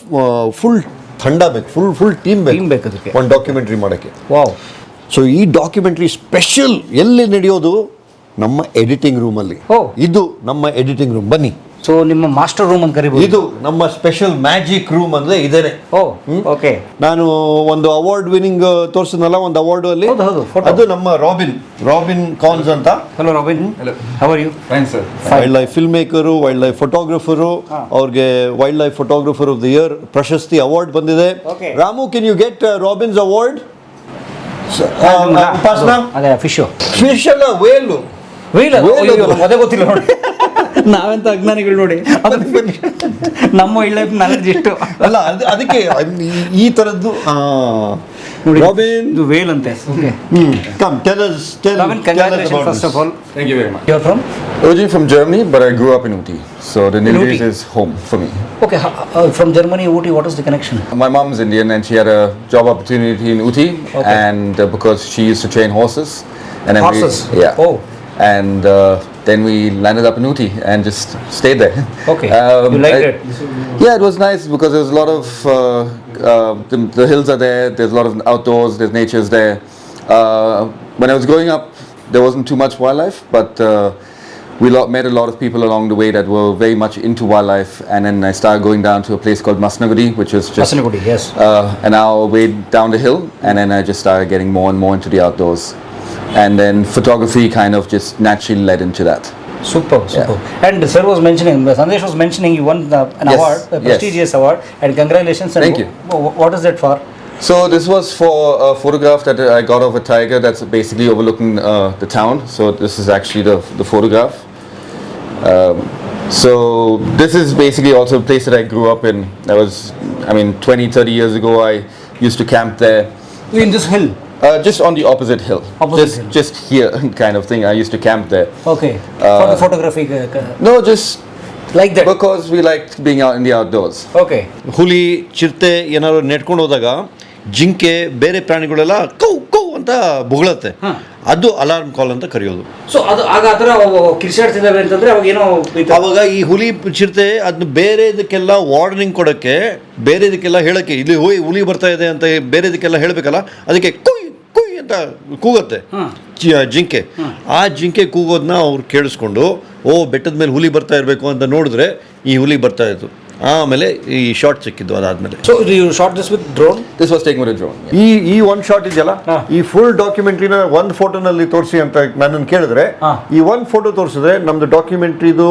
S1: ಫುಲ್ ಥಂಡ ಬೇಕು, ಫುಲ್ ಫುಲ್ ಟೀಮ್
S3: Team ಬೇಕು
S1: ಬೇಕು
S3: ಅದಕ್ಕೆ.
S1: ಒಂದು ಡಾಕ್ಯುಮೆಂಟ್ರಿ ಮಾಡೋಕ್ಕೆ.
S3: ವಾವ್.
S1: ಸೊ ಈ ಡಾಕ್ಯುಮೆಂಟ್ರಿ ಸ್ಪೆಷಲ್ ಎಲ್ಲಿ ನಡೆಯೋದು? ನಮ್ಮ ಎಡಿಟಿಂಗ್ ರೂಮಲ್ಲಿ.
S3: ಓ.
S1: ಇದು ನಮ್ಮ ಎಡಿಟಿಂಗ್ ರೂಮ್. ಬನ್ನಿ,
S3: ಸೊ ನಿಮ್ಮ ಮಾಸ್ಟರ್ ರೂಮ್ ಅಂತ ಕರಿಬೋದು.
S1: ಇದು ನಮ್ಮ ಸ್ಪೆಷಲ್ ಮ್ಯಾಜಿಕ್ ರೂಮ್ ಅಂದ್ರೆ ಇದೇನೆ.
S3: Oh okay.
S1: ನಾನು ಒಂದು ಅವಾರ್ಡ್ ವಿನಿಂಗ್ ತೋರಿಸಿದ್ನಲ್ಲ ಒಂದು ಅವಾರ್ಡ್ ಅಲ್ಲಿ,
S3: ಹೌದು, ಹೌದು, photo.
S1: ಅದು ನಮ್ಮ ರಾಬಿನ್ ರಾಬಿನ್ ಕಾನ್ಸ್ ಅಂತ.
S3: Hello Robin. How are you?
S8: Fine, sir.
S1: Wildlife filmmaker, wildlife photographer. ಅವ್ರಿಗೆ wildlife photographer of the year ಪ್ರಶಸ್ತಿ ಅವಾರ್ಡ್ ಬಂದಿದೆ.
S3: Okay.
S1: Ramu, can you get Robin's award? Upasana,
S3: ಅದೇ ಫಿಶ್
S1: ಫಿಶ್ ಅಲ್ಲ, Velu.
S3: Wheel
S1: Whale ಅದು.
S3: ಅದೇ ಗೊತ್ತಿಲ್ಲ ನೋಡಿ. ನಾವೆಂತ ಅಜ್ಞಾನಿಗಳು ನೋಡಿ. ನಮ್ಮ ಒಳ್ಳೆ ನಾಲೆಡ್ಜ್ ಇಷ್ಟು
S1: ಅಲ್ಲ, ಅದು ಅದಕ್ಕೆ ಈ- ಈ ತರದ್ದು
S3: ನೋಡಿ.
S1: ರಾಬಿನ್.
S3: ಇದು ವೇಲ್ ಅಂತೆ. Okay.
S1: Come, tell us, tell,
S3: Robin,
S1: tell us
S3: congratulation
S1: about
S3: first
S1: this.
S3: Of all.
S8: Thank you very much.
S3: You are from?
S8: Originally from Germany, but I grew up in Uti. So the Nilgiris
S3: Uti.
S8: is home for me.
S3: Okay. From Germany, Ooty, what is the connection?
S8: My mom's Indian and she had a job opportunity in Uti.
S3: Okay.
S8: And uh, because she used to train horses. And then
S3: Horses?
S8: We, yeah.
S3: Oh.
S8: And uh, then we landed up in Uti and just stayed there.
S3: Okay. You liked
S8: I-
S3: it?
S8: Yeah, it was nice because there's a lot of, uh, uh, the, the hills are there, there's a lot of outdoors, there's nature's there. Uh, when I was growing up, there wasn't too much wildlife, but uh, we lo- met a lot of people along the way that were very much into wildlife, and then I started going down to a place called Masnagudi, which was just
S3: Masnagudi, yes.
S8: uh, an hour way down the hill, and then I just started getting more and more into the outdoors, and then photography kind of just naturally led into that.
S3: Super, super. And sir was mentioning, Sandesh was mentioning you won the, an
S8: Yes,
S3: award, a
S8: yes.
S3: prestigious award, and congratulations. And
S8: Thank you.
S3: wh- What is that for?
S8: So this was for a photograph that I got of a tiger that's basically overlooking uh, the town. So this is actually the, the photograph. Um, so this is basically also a place that I grew up in. I was, I mean, twenty, thirty years ago, I used to camp there.
S3: In this hill.
S8: Uh, just on the opposite hill.
S3: Opposite
S8: just,
S3: hill.
S8: just here kind of thing. I used to camp there.
S3: Okay. for the photography. uh, uh,
S8: No, just
S3: like that.
S8: because we liked being out in the outdoors.
S3: Okay.
S1: ಹುಲಿ ಚಿರತೆ ಏನಾದ್ರು ನೆಟ್ಕೊಂಡು ಹೋದಾಗ ಜಿಂಕೆ ಬೇರೆ ಪ್ರಾಣಿಗಳೆಲ್ಲ cow cow ಅಂತ ಬುಗಳತ್ತೆ, ಅದು alarm ಕಾಲ್ ಅಂತ ಕರೆಯೋದು.
S3: ಸೊ ಅದು ಆಗ ಆ ಥರ ಕಿರ್ಚಾಡ್ತಿದ್ದಾವೆ ಅಂತಂದ್ರೆ ಅವಾಗ ಏನೋ
S1: ಅವಾಗ ಈ ಹುಲಿ ಚಿರತೆ ಅದನ್ನ ಬೇರೆದಕ್ಕೆಲ್ಲ ವಾರ್ನಿಂಗ್ ಕೊಡೋಕ್ಕೆ, ಬೇರೆದಕ್ಕೆಲ್ಲ ಹೇಳೋಕ್ಕೆ, ಇಲ್ಲಿ ಹೋಯ್ ಹುಲಿ ಬರ್ತಾ ಇದೆ ಅಂತ ಬೇರೆದಕ್ಕೆಲ್ಲ ಹೇಳಬೇಕಲ್ಲ, ಅದಕ್ಕೆ ಕುಯ್ ಕುಯ್ ಅಂತ ಕೂಗುತ್ತೆ ಜಿ- ಜಿಂಕೆ. ಆ ಜಿಂಕೆ ಕೂಗೋದನ್ನ ಅವ್ರು ಕೇಳಿಸ್ಕೊಂಡು, ಓ ಬೆಟ್ಟದ ಮೇಲೆ ಹುಲಿ ಬರ್ತಾ ಇರಬೇಕು ಅಂತ ನೋಡಿದ್ರೆ ಈ ಹುಲಿ ಬರ್ತಾ ಇತ್ತು. ಆಮೇಲೆ ಈ ಶಾರ್ಟ್ ಸಿಕ್ಕಿದ್ದು ಅದಾದ್ಮೇಲೆ.
S3: So you shot this with drone.
S8: This was taken with a drone.
S1: ಈ ಈ ಒಂದು ಶಾಟ್ ಇದೆಯಲ್ಲ, ಈ ಫುಲ್ ಡಾಕ್ಯುಮೆಂಟ್ರಿನ ಒಂದು ಫೋಟೋನಲ್ಲಿ ತೋರಿಸಿ ಅಂತ ನನ್ನನ್ನು ಕೇಳಿದ್ರೆ, ಈ ಒಂದು ಫೋಟೋ ತೋರಿಸಿದ್ರೆ ನಮ್ದು ಡಾಕ್ಯುಮೆಂಟ್ರಿದು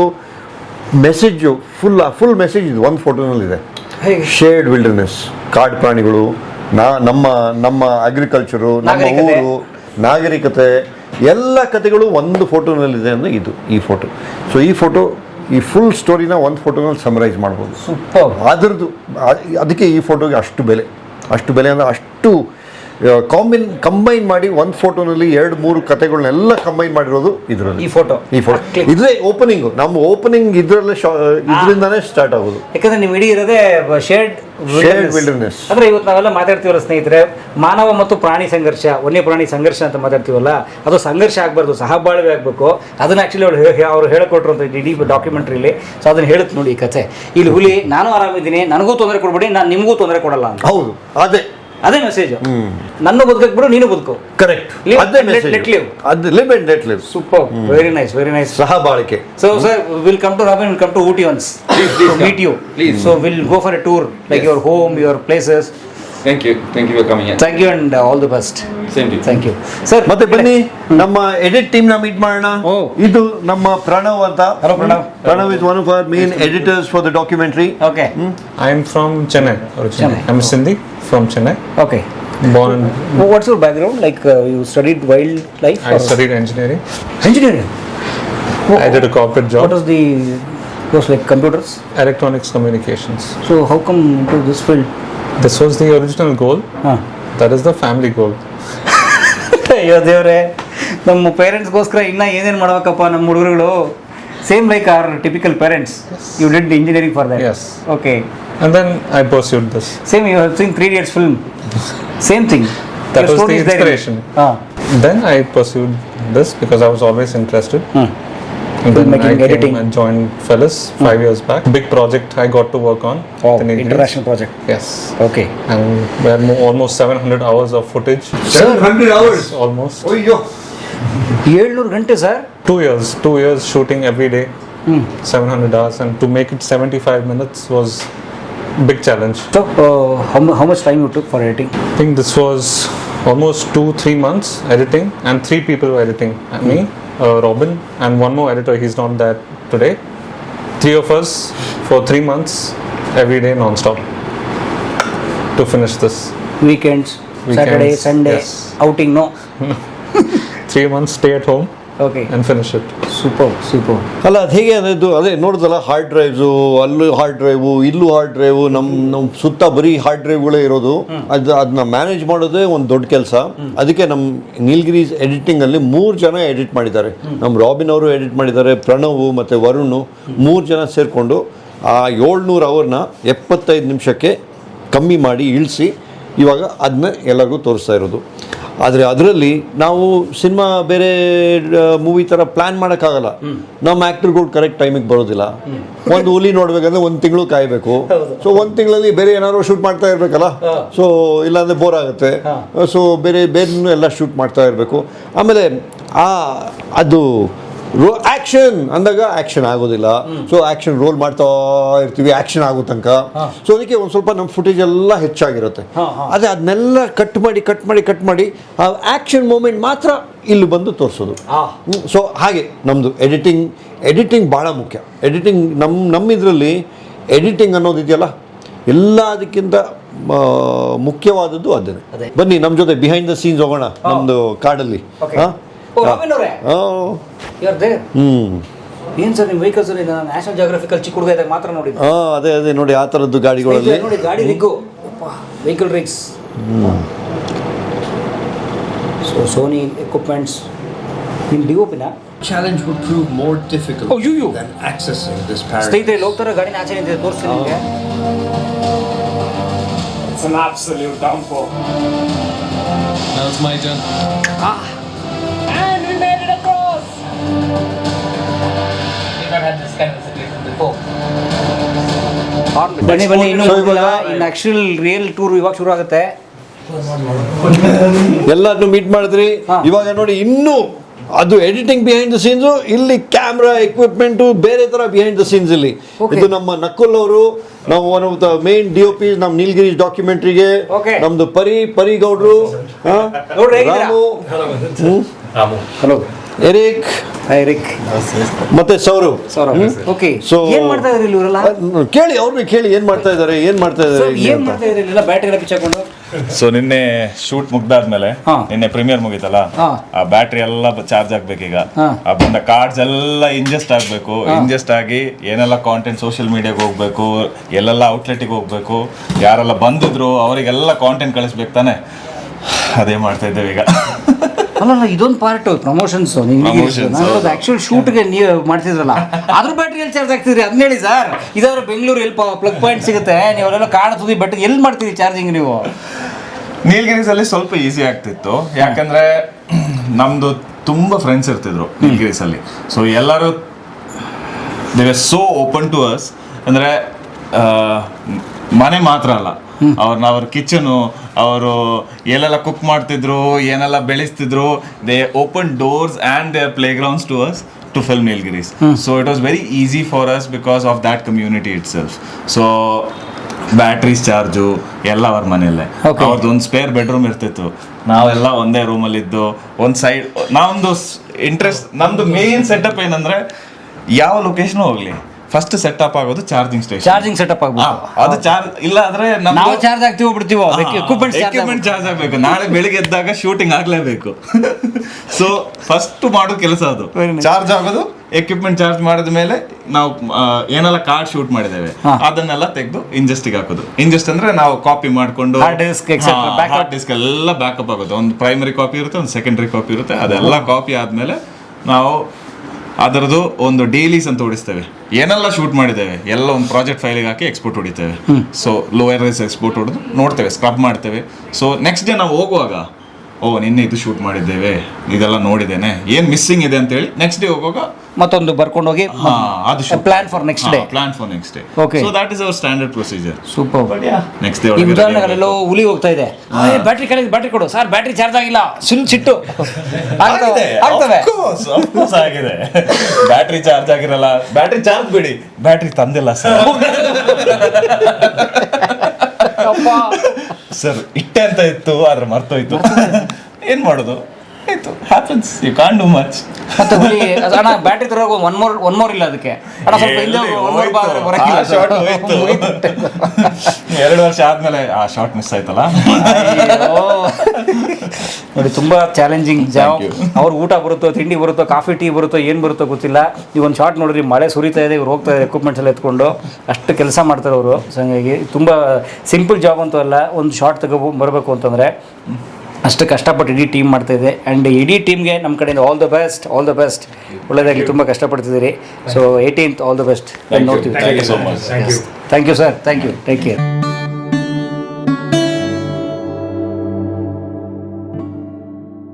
S1: ಮೆಸೇಜು ಫುಲ್ ಫುಲ್ ಮೆಸೇಜ್ ಇದು ಒಂದು ಫೋಟೋನಲ್ಲಿದೆ. ಶೇರ್ಡ್ ವಿಲ್ಡರ್ನೆಸ್, ಕಾಡು ಪ್ರಾಣಿಗಳು, ನಾ ನಮ್ಮ ನಮ್ಮ ಅಗ್ರಿಕಲ್ಚರು, ನಮ್ಮ
S3: ನಾಗರಿಕತೆ.
S1: ಊರು, ನಾಗರಿಕತೆ, ಎಲ್ಲ ಕಥೆಗಳು ಒಂದು ಫೋಟೋನಲ್ಲಿದೆ ಅಂದರೆ ಇದು ಈ ಫೋಟೋ. ಸೊ ಈ ಫೋಟೋ ಈ ಫುಲ್ ಸ್ಟೋರಿನ ಒಂದು ಫೋಟೋನಲ್ಲಿ ಸಮರೈಸ್ ಮಾಡ್ಬೋದು.
S3: ಸೂಪರ್.
S1: ಅದ್ರದ್ದು ಅ- ಅದಕ್ಕೆ ಈ ಫೋಟೋಗೆ ಅಷ್ಟು ಬೆಲೆ, ಅಷ್ಟು ಬೆಲೆ ಅಂದರೆ ಅಷ್ಟು ಕಾಂಬಿನ್ ಕಂಬೈನ್ ಮಾಡಿ ಒಂದು ಫೋಟೋನಲ್ಲಿ ಎರಡು ಮೂರು ಕಥೆಗಳನ್ನೆಲ್ಲ ಕಂಬೈನ್ ಮಾಡಿರೋದು ಇದರಲ್ಲಿ.
S3: ಈ photo.
S1: ಈ ಫೋಟೋ ಇದ್ರೆ ಓಪನಿಂಗು, ನಮ್ಮ ಓಪನಿಂಗ್ ಇದರಲ್ಲೇ ಇದರಿಂದಾನೇ ಸ್ಟಾರ್ಟ್ ಆಗೋದು.
S3: ಯಾಕಂದ್ರೆ ನೀವು ಇಡೀ ಇರೋದೇ ಶೇರ್ಡ್
S1: Shared wilderness.
S3: ಅಂದ್ರೆ ಇವತ್ತು ನಾವೆಲ್ಲ ಮಾತಾಡ್ತೀವಲ್ಲ ಸ್ನೇಹಿತರೆ, ಮಾನವ ಮತ್ತು ಪ್ರಾಣಿ ಸಂಘರ್ಷ, ವನ್ಯ ಪ್ರಾಣಿ ಸಂಘರ್ಷ ಅಂತ ಮಾತಾಡ್ತೀವಲ್ಲ, ಅದು ಸಂಘರ್ಷ ಆಗಬಾರ್ದು, ಸಹಬಾಳ್ವೆ ಆಗಬೇಕು. ಅದನ್ನ ಆಕ್ಚುಲಿ ಅವ್ರು ಹೇ- ಅವ್ರು ಹೇಳ್ಕೊಟ್ರು ಅಂತ ಇಡೀ ಡಾಕ್ಯುಮೆಂಟ್ರಿಲಿ. ಸೊ ಅದನ್ನ ಹೇಳುತ್ತೆ ನೋಡಿ ಈ ಕಥೆ. ಇಲ್ಲಿ ಹುಲಿ ನಾನು ಆರಾಮಿದ್ದೀನಿ, ನನಗೂ ತೊಂದರೆ ಕೊಡ್ಬೇಡಿ, ನಾನು ನಿಮಗೂ ತೊಂದರೆ ಕೊಡಲ್ಲ ಅಂತ.
S1: ಹೌದು, ಅದೇ
S3: ಅದೇ ಮೆಸೇಜ್. ನನ್ನ ಬದುಕಕ್ಕೆ ಬಿಡು, ನೀನು ಬದುಕು.
S1: ಕರೆಕ್ಟ್.
S3: Live
S1: ಅದೇ
S3: and let-
S1: message.
S3: let live.
S1: ಅದು live and let live.
S3: Super, very nice, very nice.
S1: ಸಹಬಾಳಿಕೆ.
S3: So, sir, we'll come to Robin, we'll come to Ooty once to meet you.
S8: Please.
S3: So, we'll go for a tour, like
S8: Yes.
S3: your home, your places.
S8: Thank you. Thank you for coming in.
S3: Thank you and uh, all the best.
S8: Same to you.
S3: Thank you. Sir,
S1: ಮತ್ತೆ ಬನ್ನಿ ನಮ್ಮ edit team ನ meet ಮಾಡೋಣ.
S3: ಓ.
S1: ಇದು ನಮ್ಮ ಪ್ರಣವ್ ಅಂತ.
S3: Hello, Pranav.
S1: Pranav is one of our main editors for the documentary.
S3: Okay.
S9: I'm from Chennai originally.
S3: Chennai.
S9: I'm Sindhi from Chennai.
S3: Okay.
S9: Born and
S3: Well, what's your background? Like uh, you studied wildlife?
S9: I
S3: or
S9: studied engineering.
S3: engineering.
S9: I did a corporate job.
S3: What was the course like? Computers.
S9: Electronics communications.
S3: So, how come into this field?
S9: This was the original goal.
S3: Huh.
S9: That is the family goal.
S3: ಅಯ್ಯೋ ದೇವ್ರೆ, ನಮ್ಮ ಪೇರೆಂಟ್ಸ್ಗೋಸ್ಕರ ಇನ್ನ ಏನೇನು ಮಾಡ್ಬೇಕಪ್ಪ ನಮ್ಮ ಹುಡುಗರುಗಳು. Same like are typical parents. You did engineering for that.
S9: Yes.
S3: Okay.
S9: And then I pursued this.
S3: Same, you have seen Three Idiots film. Same thing.
S9: That
S3: Your
S9: was
S3: story
S9: the
S3: is there in it.
S9: inspiration.
S3: Ah.
S9: Then I pursued this because I was always interested.
S3: Hmm.
S9: And then
S3: Filmmaking,
S9: I came
S3: editing.
S9: and joined Fellas five years back. Big project I got to work on.
S3: Oh,
S9: the Nilgiris.
S3: international project.
S9: Yes.
S3: Okay.
S9: And we had mo- almost seven hundred hours of footage.
S1: seven hundred hours.
S9: Almost.
S1: ಅಯ್ಯೋ,
S3: ಏಳ್ನೂರು ಗಂಟೆ sir.
S9: Two years, two years shooting every day, seven hundred hours, and to make it seventy-five minutes was a big challenge.
S3: So, uh, how, mu- how much time you took for editing?
S9: I think this was almost two, three months editing, and three people were editing. Uh, Me, uh, Robin, and one more editor. He's not there today. Three of us for three months, every day, non-stop, to finish this.
S3: Weekends,
S9: Weekends,
S3: Saturday, Sunday,
S9: yes.
S3: outing, no?
S9: Three months, stay at home
S3: Okay.
S9: and finish it.
S3: Super, super.
S1: ಅಲ್ಲ ಅದು ಹೇಗೆ ಅನ್ನೋದು ಅದೇ ನೋಡಿದಲ್ಲ, hard drives, ಅಲ್ಲೂ hard drive, ಇಲ್ಲೂ hard drive, ನಮ್ಮ ನಮ್ಮ ಸುತ್ತ ಬರೀ ಹಾರ್ಡ್ ಡ್ರೈವ್ಗಳೇ ಇರೋದು. ಅದು ಅದನ್ನ ಮ್ಯಾನೇಜ್ ಮಾಡೋದೇ ಒಂದು ದೊಡ್ಡ ಕೆಲಸ. ಅದಕ್ಕೆ ನಮ್ಮ ನೀಲ್ಗಿರೀಸ್ ಎಡಿಟಿಂಗಲ್ಲಿ ಮೂರು ಜನ ಎಡಿಟ್ ಮಾಡಿದ್ದಾರೆ. ನಮ್ಮ ರಾಬಿನ್ ಅವರು ಎಡಿಟ್ ಮಾಡಿದ್ದಾರೆ, ಪ್ರಣವ್ ಮತ್ತು ವರುಣ್, ಮೂರು ಜನ ಸೇರಿಕೊಂಡು ಆ ಏಳ್ನೂರು ಅವರ್ನ ಎಪ್ಪತ್ತೈದು ನಿಮಿಷಕ್ಕೆ ಕಮ್ಮಿ ಮಾಡಿ ಇಳಿಸಿ ಇವಾಗ ಅದನ್ನ ಎಲ್ಲರಿಗೂ ತೋರಿಸ್ತಾ ಇರೋದು. ಆದರೆ ಅದರಲ್ಲಿ ನಾವು ಸಿನಿಮಾ ಬೇರೆ ಮೂವಿ ಥರ ಪ್ಲ್ಯಾನ್ ಮಾಡೋಕ್ಕಾಗಲ್ಲ. ನಮ್ಮ ಆ್ಯಕ್ಟರ್ಗಳು ಕರೆಕ್ಟ್ ಟೈಮಿಗೆ ಬರೋದಿಲ್ಲ. ಒಂದು ಹುಲಿ ನೋಡ್ಬೇಕಂದ್ರೆ ಒಂದು ತಿಂಗಳು ಕಾಯಬೇಕು. ಸೊ ಒಂದು ತಿಂಗಳಲ್ಲಿ ಬೇರೆ ಏನಾದ್ರು ಶೂಟ್ ಮಾಡ್ತಾ ಇರಬೇಕಲ್ಲ. ಸೊ ಇಲ್ಲಾಂದರೆ ಬೋರ್ ಆಗುತ್ತೆ. ಸೊ ಬೇರೆ ಬೇರೆ ಎಲ್ಲ ಶೂಟ್ ಮಾಡ್ತಾ ಇರಬೇಕು. ಆಮೇಲೆ ಆ ಅದು ರೋ ಆಕ್ಷನ್ ಅಂದಾಗ ಆಕ್ಷನ್ ಆಗೋದಿಲ್ಲ. ಸೊ ಆಕ್ಷನ್ ರೋಲ್ ಮಾಡ್ತಾ ಇರ್ತೀವಿ ಆಕ್ಷನ್ ಆಗೋ ತನಕ. ಸೊ ಅದಕ್ಕೆ ಒಂದು ಸ್ವಲ್ಪ ನಮ್ಮ ಫುಟೇಜ್ ಎಲ್ಲ ಹೆಚ್ಚಾಗಿರುತ್ತೆ. ಅದೇ ಅದನ್ನೆಲ್ಲ ಕಟ್ ಮಾಡಿ ಕಟ್ ಮಾಡಿ ಕಟ್ ಮಾಡಿ ಆ ಆಕ್ಷನ್ ಮೂಮೆಂಟ್ ಮಾತ್ರ ಇಲ್ಲಿ ಬಂದು ತೋರಿಸೋದು. ಸೊ ಹಾಗೆ ನಮ್ಮದು ಎಡಿಟಿಂಗ್ ಎಡಿಟಿಂಗ್ ಭಾಳ ಮುಖ್ಯ. ಎಡಿಟಿಂಗ್ ನಮ್ಮ ನಮ್ಮ ಇದರಲ್ಲಿ ಎಡಿಟಿಂಗ್ ಅನ್ನೋದಿದೆಯಲ್ಲ ಎಲ್ಲದಕ್ಕಿಂತ ಮುಖ್ಯವಾದದ್ದು ಅದೇನೆ. ಬನ್ನಿ ನಮ್ಮ ಜೊತೆ ಬಿಹೈಂಡ್ ದ ಸೀನ್ಸ್ ಹೋಗೋಣ ನಮ್ಮದು ಕಾಡಲ್ಲಿ. ಹಾಂ ಹ್ಮ್
S3: ಏನ್ ಸರ್ ನಿಮ್ಮ ವೆಹಿಕಲ್ಸ್ ನ್ಯಾಷನಲ್ ಜಾಗ್ರಫಿಕಲ್ ಚಿಕ್ಕ ಹುಡುಗ ಇದ್ದಾಗ ಮಾತ್ರ ನೋಡಿ.
S1: ಹಾ ಅದೇ ಅದೇ ನೋಡಿ ಆ ಥರದ್ದು ಗಾಡಿಗಳಲ್ಲಿ
S3: ನೋಡಿ ಗಾಡಿ rig vehicle rigs. So Sony equipments ನಿಮ್ಮ ಡಿ ಒ ಪಿನ
S10: challenge would prove more difficult
S3: Oh, you, you.
S10: than accessing this paradise.
S3: ಸ್ನೇಹಿತರೆ ಹೋಗ್ತಾರ ಗಾಡಿನ ಆಚೆ ನಿಂತಿದೆ ತೋರಿಸ್ತೀನಿ ನಿಮಗೆ.
S11: It's an absolute downfall.
S10: Now it's my turn.
S11: And we made it across!
S10: Never had this kind of situation before.
S3: ಬನ್ನಿ ಬನ್ನಿ ಇನ್ನೂ
S1: So,
S3: ಹೋಗಿಲ್ಲ.
S1: ಇವಾಗ-
S3: ಇನ್ನು ಆಕ್ಚುಲ್ ರಿಯಲ್ ಟೂರ್ ಇವಾಗ ಶುರು ಆಗುತ್ತೆ.
S1: ಎಲ್ಲರನ್ನು ಮೀಟ್ ಮಾಡಿದ್ರಿ. ಇವಾಗ ನೋಡಿ ಇನ್ನೂ ಅದು ಎಡಿಟಿಂಗ್ ಬಿಹೈಂಡ್ ದ ಸೀನ್ಸು, ಇಲ್ಲಿ ಕ್ಯಾಮ್ರಾ ಎಕ್ವಿಪ್ಮೆಂಟು ಬೇರೆ ಥರ ಬಿಹೈಂಡ್ ದ ಸೀನ್ಸ್ ಇಲ್ಲಿ. ಇದು ನಮ್ಮ ನಕುಲ್ ಅವರು, ನಾವು one of the main D O P ನಮ್ಮ ನೀಲಗಿರೀಶ್ ಡಾಕ್ಯುಮೆಂಟ್ರಿಗೆ. ನಮ್ದು ಪರಿ ಪರಿ ಗೌಡ್ರು, ರಾಮು,
S3: ಹಲೋ
S1: ಎರಿಕ್
S3: ಎರಿಕ್
S1: ಮತ್ತೆ ಸೌರವ್.
S3: ಓಕೆ
S1: ಸೊ
S3: ಏನ್ ಮಾಡ್ತಾ ಇದ್ರಿ ಇವರೆಲ್ಲ?
S1: ಕೇಳಿ ಅವ್ರನ್ನ ಕೇಳಿ ಏನ್ ಮಾಡ್ತಾ ಇದಾರೆ ಏನ್ ಮಾಡ್ತಾ ಇದಾರೆ ಇಲ್ಲಿ
S3: ಏನ್
S1: ಅಂತ.
S3: ಮಾಡ್ತಾ ಇದ್ರಿ ಇಲ್ಲೆಲ್ಲ ಬ್ಯಾಟ್ರಿ ಎಲ್ಲ ಪಿಚ್ಚಾಕೊಂಡು?
S12: ಸೊ ನಿನ್ನೆ ಶೂಟ್ ಮುಗ್ದಾದ್ಮೇಲೆ ನಿನ್ನೆ ಪ್ರೀಮಿಯರ್ ಮುಗೀತಲ್ಲ, ಆ ಬ್ಯಾಟ್ರಿ ಎಲ್ಲ ಚಾರ್ಜ್ ಆಗ್ಬೇಕೀಗ. ಆ ಬಂದ ಕಾರ್ಡ್ಸ್ ಎಲ್ಲ ಇಂಜೆಸ್ಟ್ ಆಗ್ಬೇಕು. ಇಂಜೆಸ್ಟ್ ಆಗಿ ಏನೆಲ್ಲ ಕಾಂಟೆಂಟ್ ಸೋಷಿಯಲ್ ಮೀಡಿಯಾಗೆ ಹೋಗ್ಬೇಕು, ಎಲ್ಲೆಲ್ಲ ಔಟ್ಲೆಟ್ಗೆ ಹೋಗ್ಬೇಕು, ಯಾರೆಲ್ಲ ಬಂದಿದ್ರು ಅವರಿಗೆಲ್ಲ ಕಾಂಟೆಂಟ್ ಕಳಿಸ್ಬೇಕು ತಾನೆ. ಅದೇ ಮಾಡ್ತಾ ಇದ್ದೇವೆ ಈಗ.
S3: ಅಲ್ಲ ಇದೊಂದು ಪಾರ್ಟ್ ಪ್ರಮೋಷನ್ಸ್. ಆಕ್ಚುಲ್ ಶೂಟ್ಗೆ ನೀವು ಮಾಡ್ತಿದ್ರಲ್ಲ ಅದ್ರ ಬ್ಯಾಟ್ರಿ ಎಲ್ಲಿ ಚಾರ್ಜ್ ಆಗ್ತಿದ್ರಿ ಅದನ್ನ ಹೇಳಿ ಸರ್. ಇದಾದ್ರೆ ಬೆಂಗಳೂರು ಎಲ್ಲಿ ಪ್ಲಗ್ ಪಾಯಿಂಟ್ ಸಿಗುತ್ತೆ, ನೀವೆಲ್ಲ ಕಾಡ್ ತುದಿ ಬಟ್ ಎಲ್ಲಿ ಮಾಡ್ತೀರಿ ಚಾರ್ಜಿಂಗ್ ನೀವು?
S12: ನೀಲಗಿರೀಸಲ್ಲಿ ಸ್ವಲ್ಪ ಈಸಿ ಆಗ್ತಿತ್ತು, ಯಾಕಂದ್ರೆ ನಮ್ದು ತುಂಬಾ ಫ್ರೆಂಡ್ಸ್ ಇರ್ತಿದ್ರು ನೀಲಗಿರೀಸಲ್ಲಿ. ಸೊ ಎಲ್ಲರೂ they are so open to us. ಅಂದ್ರೆ ಮನೆ ಮಾತ್ರ ಅಲ್ಲ, ಅವ್ರನ್ನ ಅವ್ರ ಕಿಚನು, ಅವರು ಎಲ್ಲೆಲ್ಲ ಕುಕ್ ಮಾಡ್ತಿದ್ರು, ಏನೆಲ್ಲ ಬೆಳೆಸ್ತಿದ್ರು, they open doors and they playgrounds to us to film Nilgiris. So it was very easy for us because of that community itself. So batteries charge ಎಲ್ಲ ಅವ್ರ ಮನೆಯಲ್ಲೇ. ಅವ್ರದ್ದು ಒಂದು ಸ್ಪೇರ್ ಬೆಡ್ರೂಮ್ ಇರ್ತಿತ್ತು, ನಾವೆಲ್ಲ ಒಂದೇ ರೂಮಲ್ಲಿದ್ದು ಒಂದು ಸೈಡ್. ನಾವೊಂದು ಇಂಟ್ರೆಸ್ಟ್, ನಮ್ದು ಮೇನ್ ಸೆಟಪ್ ಏನಂದ್ರೆ ಯಾವ ಲೊಕೇಶನ್ ಹೋಗ್ಲಿ ಫಸ್ಟ್ ಸೆಟಪ್ ಆಗೋದು ಚಾರ್ಜಿಂಗ್ ಸ್ಟೇಷನ್.
S3: ಚಾರ್ಜಿಂಗ್ ಸೆಟಪ್ ಆಗ್ಬೇಕು.
S12: ಅದು ಚಾರ್ಜ್ ಇಲ್ಲ ಆದ್ರೆ
S3: ನಾವು ಚಾರ್ಜ್ ಆಗ್ತೀವೋ ಬಿಡ್ತೀವೋ, ಎಕ್ವಿಪ್ಮೆಂಟ್
S12: ಎಕ್ವಿಪ್ಮೆಂಟ್ ಚಾರ್ಜ್ ಆಗ್ಬೇಕು. ನಾಳೆ ಬೆಳಿಗ್ಗೆ ಎದ್ದಾಗ ಶೂಟಿಂಗ್ ಆಗ್ಲೇಬೇಕು. ಸೊ ಫಸ್ಟ್ ಮಾಡೋ ಕೆಲಸ ಅದು ಚಾರ್ಜ್ ಆಗೋದು. ಎಕ್ವಿಪ್ಮೆಂಟ್ ಚಾರ್ಜ್ ಮಾಡಿದ ಮೇಲೆ ನಾವು ಏನೆಲ್ಲ ಕಾರ್ಡ್ ಶೂಟ್ ಮಾಡಿದ್ದೇವೆ ಅದನ್ನೆಲ್ಲ ತೆಗೆದು ಇಂಜೆಸ್ಟಿಗೆ ಹಾಕೋದು. ಇಂಜೆಸ್ಟ್ ಅಂದ್ರೆ ನಾವು ಕಾಪಿ ಮಾಡ್ಕೊಂಡು
S3: ಹಾರ್ಡ್ ಡಿಸ್ಕ್
S12: ಹಾರ್ಡ್ ಡಿಸ್ಕ್ ಎಲ್ಲ ಬ್ಯಾಕಪ್ ಆಗುತ್ತೆ. ಒಂದು ಪ್ರೈಮರಿ ಕಾಪಿ ಇರುತ್ತೆ, ಒಂದು ಸೆಕೆಂಡರಿ ಕಾಪಿ ಇರುತ್ತೆ. ಅದೆಲ್ಲ ಕಾಪಿ ಆದ್ಮೇಲೆ ನಾವು ಅದರದ್ದು ಒಂದು ಡೈಲೀಸ್ ಅಂತ ಹೊಡಿಸ್ತೇವೆ. ಏನೆಲ್ಲ ಶೂಟ್ ಮಾಡಿದ್ದೇವೆ ಎಲ್ಲ ಒಂದು ಪ್ರಾಜೆಕ್ಟ್ ಫೈಲಿಗೆ ಹಾಕಿ ಎಕ್ಸ್ಪೋರ್ಟ್ ಹೊಡಿತೇವೆ. ಸೊ ಲೋಯರ್ ರೈಸ್ ಎಕ್ಸ್ಪೋರ್ಟ್ ಹೊಡೆದು ನೋಡ್ತೇವೆ, ಸ್ಕ್ರಬ್ ಮಾಡ್ತೇವೆ. ಸೊ ನೆಕ್ಸ್ಟ್ ಡೇ ನಾವು ಹೋಗುವಾಗ ಓ ನಿನ್ನೆ ಇದು ಶೂಟ್ ಮಾಡಿದ್ದೇವೆ, ಇದೆಲ್ಲ ನೋಡಿದ್ದೇನೆ, ಏನು ಮಿಸ್ಸಿಂಗ್ ಇದೆ ಅಂತೇಳಿ ನೆಕ್ಸ್ಟ್ ಡೇ ಹೋಗುವಾಗ
S3: ಮತ್ತೊಂದು ಬರ್ಕೊಂಡು ಹೋಗಿ
S12: ಅದು
S3: plan for next day.
S12: Plan for next day.
S3: Okay,
S12: so that is our standard procedure.
S3: Super.
S12: Next day
S3: ಉದಾಹರಣೆಗಳೆಲ್ಲೋ ಹುಲಿ ಹೋಗ್ತಾ ಇದೆ, ಬ್ಯಾಟ್ರಿ ಕಡೆ ಬ್ಯಾಟ್ರಿ ಕೊಡು ಸರ್, ಬ್ಯಾಟ್ರಿ ಚಾರ್ಜ್ ಆಗಿಲ್ಲ, ಸುಲ್ ಸಿಟ್ಟು ಆಗ್ತವೆ.
S12: ಆಗಿದೆ, ಬ್ಯಾಟ್ರಿ ಚಾರ್ಜ್ ಆಗಿರಲ್ಲ, ಬ್ಯಾಟ್ರಿ ಚಾರ್ಜ್ ಬಿಡಿ, ಬ್ಯಾಟ್ರಿ ತಂದಿಲ್ಲ ಸರ್. ಸರ್ ಇಟ್ಟೆ ಅಂತ ಇತ್ತು ಆದ್ರೆ ಮರ್ತೋಯ್ತು, ಏನ್ ಮಾಡೋದು, ಆಯ್ತು, happens, you can't do much.
S3: ಮತ್ತೆ ಹುಲಿ ಅಣ್ಣ ಬ್ಯಾಟ್ರಿ ತರೋ ಒನ್ ಮೋರ್ ಒನ್ ಮೋರ್ ಇಲ್ಲ ಅದಕ್ಕೆ ಅಣ್ಣ, ಸ್ವಲ್ಪ ಹಿಂದೆ ಒನ್ ಮೋರ್ ಬರಕಿಲ್ಲ.
S12: ಶಾರ್ಟ್ ಹೋಯ್ತು, ಎರಡು ವರ್ಷ ಆದ್ಮೇಲೆ ಆ ಶಾರ್ಟ್ ಮಿಸ್ ಆಯ್ತಲ್ಲ.
S3: ನೋಡಿ ತುಂಬಾ ಚಾಲೆಂಜಿಂಗ್ ಜಾಬ್. ಅವ್ರು ಊಟ ಬರುತ್ತೋ, ತಿಂಡಿ ಬರುತ್ತೋ, ಕಾಫಿ ಟೀ ಬರುತ್ತೋ, ಏನು ಬರುತ್ತೋ ಗೊತ್ತಿಲ್ಲ. ನೀವು ಒಂದು ಶಾರ್ಟ್ ನೋಡ್ರಿ, ಮಳೆ ಸುರಿತಾ ಇದೆ, ಇವ್ರು ಹೋಗ್ತಾ ಇದ್ದಾರೆ ಎಕ್ವಿಪ್ಮೆಂಟ್ಸ್ ಎಲ್ಲ ಎತ್ಕೊಂಡು, ಅಷ್ಟು ಕೆಲಸ ಮಾಡ್ತಾರೆ ಅವರು. ಸೊ ಹಂಗಾಗಿ ತುಂಬ ಸಿಂಪಲ್ ಜಾಬ್ ಅಂತೂ ಅಲ್ಲ. ಒಂದು ಶಾರ್ಟ್ ತಗೋ ಬರಬೇಕು ಅಂತಂದರೆ ಅಷ್ಟು ಕಷ್ಟಪಟ್ಟು ಇಡೀ ಟೀಮ್ ಮಾಡ್ತಾಯಿದೆ. ಆ್ಯಂಡ್ ಇಡೀ ಟೀಮ್ಗೆ ನಮ್ಮ ಕಡೆಯಿಂದ all the best, all the best. ಒಳ್ಳೆಯದಾಗಲಿ, ತುಂಬ ಕಷ್ಟಪಡ್ತಿದ್ದೀರಿ. So eighteenth all the best ನೋಡ್ತೀವಿ.
S12: Thank you so much.
S3: Thank you sir, thank you, take care.